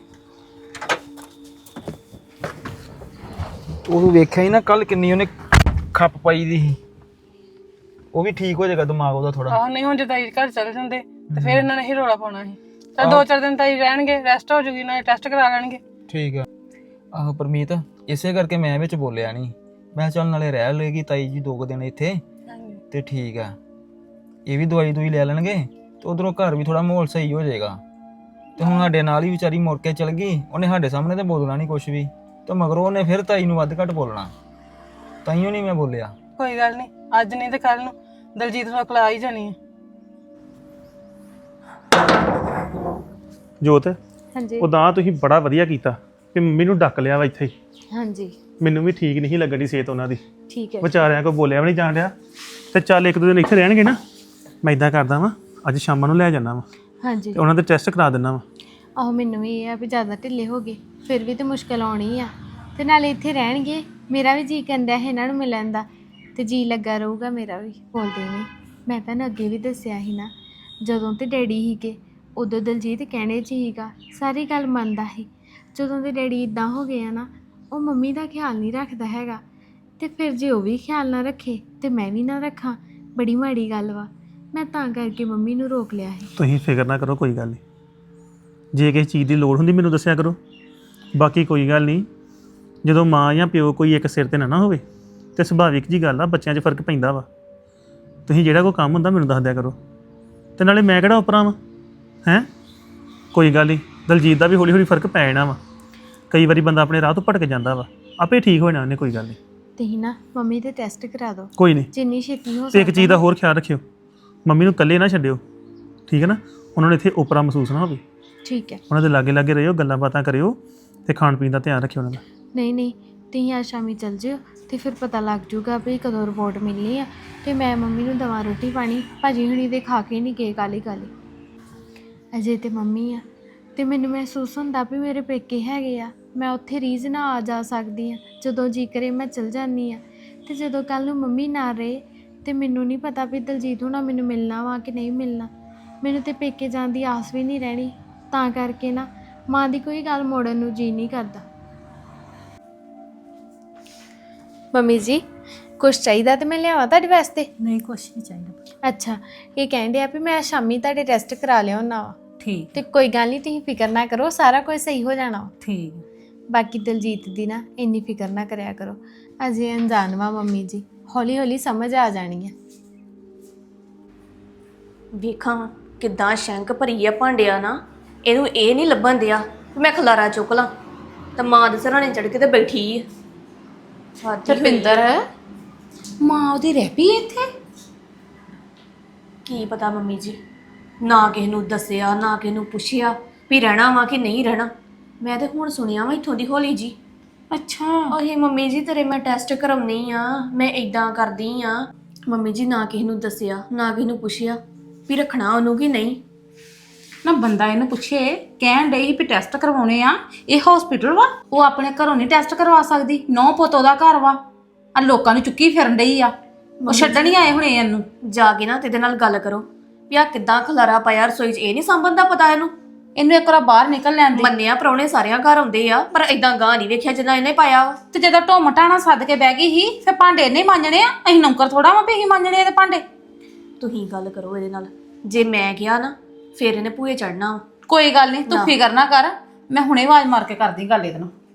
Speaker 9: ਉਹ ਵੇਖਿਆ ਹੀ ਨਾ ਕੱਲ ਕਿੰਨੀ ਉਹਨੇ ਖੱਪ ਪਾਈ ਦੀ ਸੀ, ਉਹ ਵੀ ਠੀਕ ਹੋ ਜਾਏਗਾ ਦਿਮਾਗ ਉਹਦਾ ਥੋੜਾ।
Speaker 6: ਆਹ ਨਹੀਂ ਹੁਣ ਜੇ ਤਾਈ ਘਰ ਚਲੇ ਜਾਂਦੇ ਤੇ ਫਿਰ ਇਹਨਾਂ ਨੇ ਹੀ ਰੋਲਾ ਪਾਉਣਾ ਸੀ। ਤਾਂ ਦੋ ਚਾਰ ਦਿਨ ਤਾਈ ਰਹਿਣਗੇ, ਰੈਸਟ ਹੋ ਜੂਗੀ, ਨਾਲੇ ਟੈਸਟ ਕਰਾ ਲੈਣਗੇ।
Speaker 9: ਠੀਕ ਆ। ਆਹੋ ਪਰਮੀਤ, ਇਸੇ ਕਰਕੇ ਮੈਂ ਵਿੱਚ ਬੋਲਿਆ ਨਹੀਂ, ਮੈਂ ਚੱਲ ਨਾਲੇ ਰਹਿ ਲਏਗੀ ਤਾਈ ਜੀ ਦੋ ਕੁ ਦਿਨ ਇੱਥੇ ਤੇ ਠੀਕ ਆ, ਇਹ ਵੀ ਦਵਾਈ ਦੂਈ ਲੈ ਲੈਣਗੇ ਤੇ ਉਧਰੋਂ ਘਰ ਵੀ ਥੋੜਾ ਮਾਹੌਲ ਸਹੀ ਹੋ ਜਾਏਗਾ। ਤੇ ਹੁਣ ਸਾਡੇ ਨਾਲ ਹੀ ਵਿਚਾਰੀ ਮੁੜ ਕੇ ਚਲ ਗਈ, ਉਹਨੇ ਸਾਡੇ ਸਾਹਮਣੇ ਤੇ ਬੋਲਣਾ ਨਹੀਂ ਕੁਛ ਵੀ, ਤੇ ਮਗਰੋਂ ਉਹਨੇ ਫਿਰ ਤਾਈ ਨੂੰ ਵੱਧ ਘੱਟ ਬੋਲਣਾ, ਤਾਈਓ ਨਹੀਂ ਮੈਂ ਬੋਲਿਆ।
Speaker 6: ਕੋਈ ਗੱਲ ਨਹੀਂ, ਅੱਜ ਨਹੀਂ ਤੇ ਕੱਲ ਨੂੰ ਦਲਜੀਤ ਨੂੰ ਅਕਲ ਆ ਹੀ ਜਾਣੀ ਹੈ।
Speaker 10: ਜੋਤ
Speaker 4: ਹਾਂਜੀ
Speaker 10: ਉਦਾਂ ਤੁਸੀਂ ਬੜਾ ਵਧੀਆ ਕੀਤਾ ਕਿ ਮੰਮੀ ਨੂੰ ਡੱਕ ਲਿਆ ਵਾ ਇੱਥੇ ਹੀ।
Speaker 4: ਹਾਂਜੀ
Speaker 10: ਮੈਨੂੰ ਵੀ ਠੀਕ ਨਹੀਂ ਲੱਗਣੀ ਸਿਹਤ ਉਹਨਾਂ ਦੀ,
Speaker 4: ਠੀਕ ਹੈ
Speaker 10: ਵਿਚਾਰਿਆਂ ਕੋਈ ਬੋਲਿਆ ਵੀ ਨਹੀਂ ਜਾਣ ਡਿਆ। ਤੇ ਚੱਲ ਇੱਕ ਦੋ ਦਿਨ ਇੱਥੇ ਰਹਿਣਗੇ ਨਾ, ਮੈਂ ਇਦਾਂ ਕਰਦਾ ਵਾਂ ਅੱਜ ਸ਼ਾਮਾਂ ਨੂੰ ਲੈ ਜਾਣਾ ਵਾ
Speaker 4: ਹਾਂਜੀ
Speaker 10: ਤੇ ਉਹਨਾਂ ਦੇ ਟੈਸਟ ਕਰਾ ਦਿੰਦਾ ਵਾ।
Speaker 4: ਆਹੋ ਮੈਨੂੰ ਵੀ ਇਹ ਆ ਵੀ ਜ਼ਿਆਦਾ ਢਿੱਲੇ ਹੋ ਗਏ ਫਿਰ ਵੀ ਤੇ ਮੁਸ਼ਕਲ ਆਉਣੀ ਆ, ਤੇ ਨਾਲੇ ਇੱਥੇ ਰਹਿਣਗੇ, ਮੇਰਾ ਵੀ ਜੀ ਕਰਦਾ ਹੈ ਇਹਨਾਂ ਨੂੰ ਮਿਲਣ ਦਾ, ਤੇ ਜੀ ਲੱਗਾ ਰਹੂਗਾ ਮੇਰਾ ਵੀ। ਬੋਲਦੇ ਨਹੀਂ, ਮੈਂ ਤੁਹਾਨੂੰ ਅੱਗੇ ਵੀ ਦੱਸਿਆ ਸੀ ਨਾ, ਜਦੋਂ ਤੇ ਡੈਡੀ ਸੀਗੇ ਉਦੋਂ ਦਲਜੀਤ ਕਹਿਣੇ 'ਚ ਹੀਗਾ, ਸਾਰੀ ਗੱਲ ਮੰਨਦਾ ਸੀ। ਜਦੋਂ ਦੇ ਡੈਡੀ ਇਦਾਂ ਹੋ ਗਏ ਆ ਨਾ, ਉਹ ਮੰਮੀ ਦਾ ਖਿਆਲ ਨਹੀਂ ਰੱਖਦਾ ਹੈਗਾ, ਤੇ ਫਿਰ ਜੇ ਉਹ ਵੀ ਖਿਆਲ ਨਾ ਰੱਖੇ ਤੇ ਮੈਂ ਵੀ ਨਾ ਰੱਖਾਂ, ਬੜੀ ਮਾੜੀ ਗੱਲ ਵਾ। ਮੈਂ ਤਾਂ ਕਰਕੇ ਮੰਮੀ ਨੂੰ ਰੋਕ ਲਿਆ ਸੀ।
Speaker 10: ਤੁਸੀਂ ਫਿਕਰ ਨਾ ਕਰੋ, ਕੋਈ ਗੱਲ ਨਹੀਂ। ਜੇ ਕਿਸੇ ਚੀਜ਼ ਦੀ ਲੋੜ ਹੁੰਦੀ ਮੈਨੂੰ ਦੱਸਿਆ ਕਰੋ, ਬਾਕੀ ਕੋਈ ਗੱਲ ਨਹੀਂ। ਜਦੋਂ ਮਾਂ ਜਾਂ ਪਿਓ ਕੋਈ ਇੱਕ ਸਿਰ ਤੇ ਨਾ ਨਾ ਹੋਵੇ ਤੇ ਸੁਭਾਵਿਕ ਜੀ ਗੱਲ ਆ, ਬੱਚਿਆਂ 'ਚ ਫਰਕ ਪੈਂਦਾ ਵਾ। ਤੁਸੀਂ ਜਿਹੜਾ ਕੋਈ ਕੰਮ ਹੁੰਦਾ ਮੈਨੂੰ ਦੱਸ ਦਿਆ ਕਰੋ, ਤੇ ਨਾਲੇ ਮੈਂ ਕਿਹੜਾ ਉਪਰਾਂ ਵਾ ਹੈਂ। ਕੋਈ ਗੱਲ ਨਹੀਂ, ਦਲਜੀਤ ਦਾ ਵੀ ਹੌਲੀ ਹੌਲੀ ਫਰਕ ਪੈ ਜਾਣਾ ਵਾ। ਕਈ ਵਾਰੀ ਬੰਦਾ ਆਪਣੇ ਰਾਹ ਤੋਂ ਭਟਕ ਜਾਂਦਾ ਵਾ, ਆਪੇ ਠੀਕ ਹੋ ਜਾਣਾ ਉਹਨੇ, ਕੋਈ ਗੱਲ ਨਹੀਂ।
Speaker 4: ਤੁਸੀਂ ਨਾ ਮੰਮੀ ਦੇ ਟੈਸਟ ਕਰਾ ਦਿਓ
Speaker 10: ਕੋਈ ਨਹੀਂ।
Speaker 4: ਜਿੰਨੀ ਛੇਤੀ ਹੋ
Speaker 10: ਤੇ ਇੱਕ
Speaker 4: ਸਕਦਾ।
Speaker 10: ਚੀਜ਼ ਦਾ ਹੋਰ ਖਿਆਲ ਰੱਖਿਓ, ਮੰਮੀ ਨੂੰ ਇਕੱਲੇ ਨਾ ਛੱਡਿਓ, ਠੀਕ ਹੈ ਨਾ। ਉਹਨਾਂ ਨੂੰ ਇੱਥੇ ਓਪਰਾ ਮਹਿਸੂਸ ਨਾ ਹੋਵੇ।
Speaker 4: ਠੀਕ ਹੈ।
Speaker 10: ਉਹਨਾਂ ਦੇ ਲਾਗੇ ਲਾਗੇ ਰਹਿਓ, ਗੱਲਾਂ ਬਾਤਾਂ ਕਰਿਓ, ਤੇ ਖਾਣ ਪੀਣ ਦਾ ਧਿਆਨ ਰੱਖਿਓ ਉਹਨਾਂ ਦਾ।
Speaker 4: ਨਹੀਂ ਨਹੀਂ, ਤੁਸੀਂ ਅੱਜ ਸ਼ਾਮੀ ਚੱਲ ਜਿਓ, ਤੇ ਫਿਰ ਪਤਾ ਲੱਗ ਜੂਗਾ ਵੀ ਕਦੋਂ ਰਿਪੋਰਟ ਮਿਲਣੀ ਆ, ਤੇ ਮੈਂ ਮੰਮੀ ਨੂੰ ਦਵਾ ਰੋਟੀ ਪਾਣੀ। ਭਾਜੀ ਹੁਣੀ ਦੇ ਖਾ ਕੇ ਨਹੀਂ ਗਏ ਕਾਲੀ ਕਾਲੀ, ਅਜੇ ਤੇ ਮੰਮੀ ਆ, ਤੇ ਮੈਨੂੰ ਮਹਿਸੂਸ ਹੁੰਦਾ ਵੀ ਮੇਰੇ ਪੇਕੇ ਹੈਗੇ ਆ, ਮੈਂ ਉੱਥੇ ਰੀਝ ਨਾ ਆ ਜਾ ਸਕਦੀ ਆ, ਜਦੋਂ ਜੀ ਕਰੇ ਮੈਂ ਚਲ ਜਾਂਦੀ ਆ। ਤੇ ਜਦੋਂ ਕੱਲ ਨੂੰ ਮੰਮੀ ਨਾ ਰਹੇ ਤੇ ਮੈਨੂੰ ਨਹੀਂ ਪਤਾ ਵੀ ਦਲਜੀਤ ਹੁਣਾ ਮੈਨੂੰ ਮਿਲਣਾ ਵਾ ਕਿ ਨਹੀਂ ਮਿਲਣਾ। ਮੈਨੂੰ ਤੇ ਪੇਕੇ ਜਾਣ ਦੀ ਆਸ ਵੀ ਨਹੀਂ ਰਹਿਣੀ, ਤਾਂ ਕਰਕੇ ਨਾ ਮਾਂ ਦੀ ਕੋਈ ਗੱਲ ਮੋੜਨ ਨੂੰ ਜੀ ਨਹੀਂ ਕਰਦਾ। ਮੰਮੀ ਜੀ ਕੁਛ ਚਾਹੀਦਾ ਤੇ ਮੈਂ ਲਿਆਵਾਂ ਤੁਹਾਡੇ ਵਾਸਤੇ?
Speaker 8: ਨਹੀਂ ਕੁਛ ਨਹੀਂ ਚਾਹੀਦਾ।
Speaker 4: ਅੱਛਾ, ਇਹ ਕਹਿੰਦੇ ਆ ਵੀ ਮੈਂ ਸ਼ਾਮੀ ਤੁਹਾਡੇ ਟੈਸਟ ਕਰਾ ਲਿਆਉਣਾ ਵਾ।
Speaker 8: ਠੀਕ
Speaker 4: ਤੇ ਕੋਈ ਗੱਲ ਨਹੀਂ, ਤੁਸੀਂ ਫਿਕਰ ਨਾ ਕਰੋ, ਸਾਰਾ ਕੁਝ ਸਹੀ ਹੋ ਜਾਣਾ ਵਾ।
Speaker 8: ਠੀਕ।
Speaker 4: ਬਾਕੀ ਦਲਜੀਤ ਦੀ ਨਾ ਇੰਨੀ ਫਿਕਰ ਨਾ ਕਰਿਆ ਕਰੋ, ਅਜੇ ਅਣਜਾਣ ਵਾ ਮੰਮੀ ਜੀ, ਹੌਲੀ ਹੌਲੀ ਸਮਝ ਆ ਜਾਣੀ ਹੈ।
Speaker 1: ਵੇਖਾਂ ਕਿੱਦਾਂ ਸ਼ੈਂਕ ਭਰੀ ਆ ਭਾਂਡਿਆ ਨਾ, ਇਹਨੂੰ ਇਹ ਨਹੀਂ ਲੱਭਣ ਦਿਆ ਵੀ ਮੈਂ ਖਲਾਰਾ ਚੁੱਕ ਲਾਂ, ਤਾਂ ਮਾਂ ਦੇ ਸਰਾਣੇ ਚੜ ਕੇ ਤੇ ਬੈਠੀ ਆ।
Speaker 7: ਰਪਿੰਦਰ, ਮਾਂ ਉਹਦੀ ਰਹਿ ਪਈ ਇੱਥੇ?
Speaker 1: ਕੀ ਪਤਾ ਮੰਮੀ ਜੀ, ਨਾ ਕਿਸੇ ਨੂੰ ਦੱਸਿਆ ਨਾ ਕਿਸੇ ਨੂੰ ਪੁੱਛਿਆ ਵੀ ਰਹਿਣਾ ਵਾ ਕਿ ਨਹੀਂ ਰਹਿਣਾ। ਮੈਂ ਤੇ ਹੁਣ ਸੁਣਿਆ ਵਾ ਇੱਥੋਂ ਦੀ ਹੌਲੀ ਜੀ।
Speaker 7: ਅੱਛਾ।
Speaker 1: ਉਹੀ ਮੰਮੀ ਜੀ ਤੇਰੇ ਮੈਂ ਟੈਸਟ ਕਰਾਉਣੀ ਆ, ਮੈਂ ਇਦਾਂ ਕਰਦੀ ਆ। ਮੰਮੀ ਜੀ ਨਾ ਕਿਸੇ ਨੂੰ ਦੱਸਿਆ ਨਾ ਕਿਸੇ ਨੂੰ ਪੁੱਛਿਆ ਵੀ ਰੱਖਣਾ ਉਹਨੂੰ ਕਿ ਨਹੀਂ।
Speaker 7: ਨਾ ਬੰਦਾ ਇਹਨੂੰ ਪੁੱਛੇ, ਕਹਿਣ ਡਈ ਵੀ ਟੈਸਟ ਕਰਵਾਉਣੇ ਆ, ਇਹ ਹਸਪੀਟਲ ਵਾ, ਉਹ ਆਪਣੇ ਘਰੋਂ ਨਹੀਂ ਟੈਸਟ ਕਰਵਾ ਸਕਦੀ। ਨੌ ਪੁੱਤ ਉਹਦਾ ਘਰ ਵਾ, ਆ ਲੋਕਾਂ ਨੂੰ ਚੁੱਕੀ ਫਿਰਨ ਡਈ ਆ, ਉਹ ਛੱਡਣ ਹੀ ਆਏ ਹੁਣੇ ਇਹਨੂੰ।
Speaker 1: ਜਾ ਕੇ ਨਾ ਤੇਰੇ ਨਾਲ ਗੱਲ ਕਰੋ ਵੀ ਆ ਕਿੱਦਾਂ ਖਲਾਰਾ ਪਾਇਆ ਰਸੋਈ 'ਚ, ਇਹ ਨਹੀਂ ਸਾਂਭਣ ਦਾ ਪਤਾ ਇਹਨੂੰ।
Speaker 7: ਇਹਨੂੰ ਇੱਕ ਵਾਰ ਬਾਹਰ ਨਿਕਲ ਲੈਣ ਦੇ।
Speaker 1: ਮੰਨਿਆ ਪ੍ਰਾਹੁਣੇ ਸਾਰਿਆਂ ਘਰ ਆਉਂਦੇ ਆ, ਪਰ ਇਦਾਂ ਗਾਂ ਨਹੀਂ ਵੇਖਿਆ ਜਿੱਦਾਂ ਇਹਨੇ ਪਾਇਆ ਵਾ।
Speaker 7: ਤੇ ਜਦੋਂ ਢੋਮ ਟਾਣਾ ਸੱਦ ਕੇ ਬਹਿ ਗਈ ਸੀ, ਫਿਰ ਭਾਂਡੇ ਇਹਨੇ ਮਾਂਜਣੇ ਆ, ਅਸੀਂ ਨੌਕਰ ਥੋੜਾ ਵਾ ਵੀ ਅਸੀਂ ਮਾਂਜਣੇ ਇਹਦੇ ਭਾਂਡੇ।
Speaker 1: ਤੁਸੀਂ ਗੱਲ ਕਰੋ ਇਹਦੇ ਨਾਲ, ਜੇ ਮੈਂ ਕਿਹਾ ਨਾ ਫਿਰ ਇਹਨੇ ਭੂਏ ਚੜਨਾ।
Speaker 7: ਕੋਈ ਗੱਲ ਨਹੀਂ, ਤੂੰ ਫਿਕਰ ਨਾ ਕਰ, ਮੈਂ ਹੁਣੇ ਆਵਾਜ਼ ਮਾਰ ਕੇ ਕਰਦੀ ਗੱਲ ਇਹਦੇ ਨਾਲ।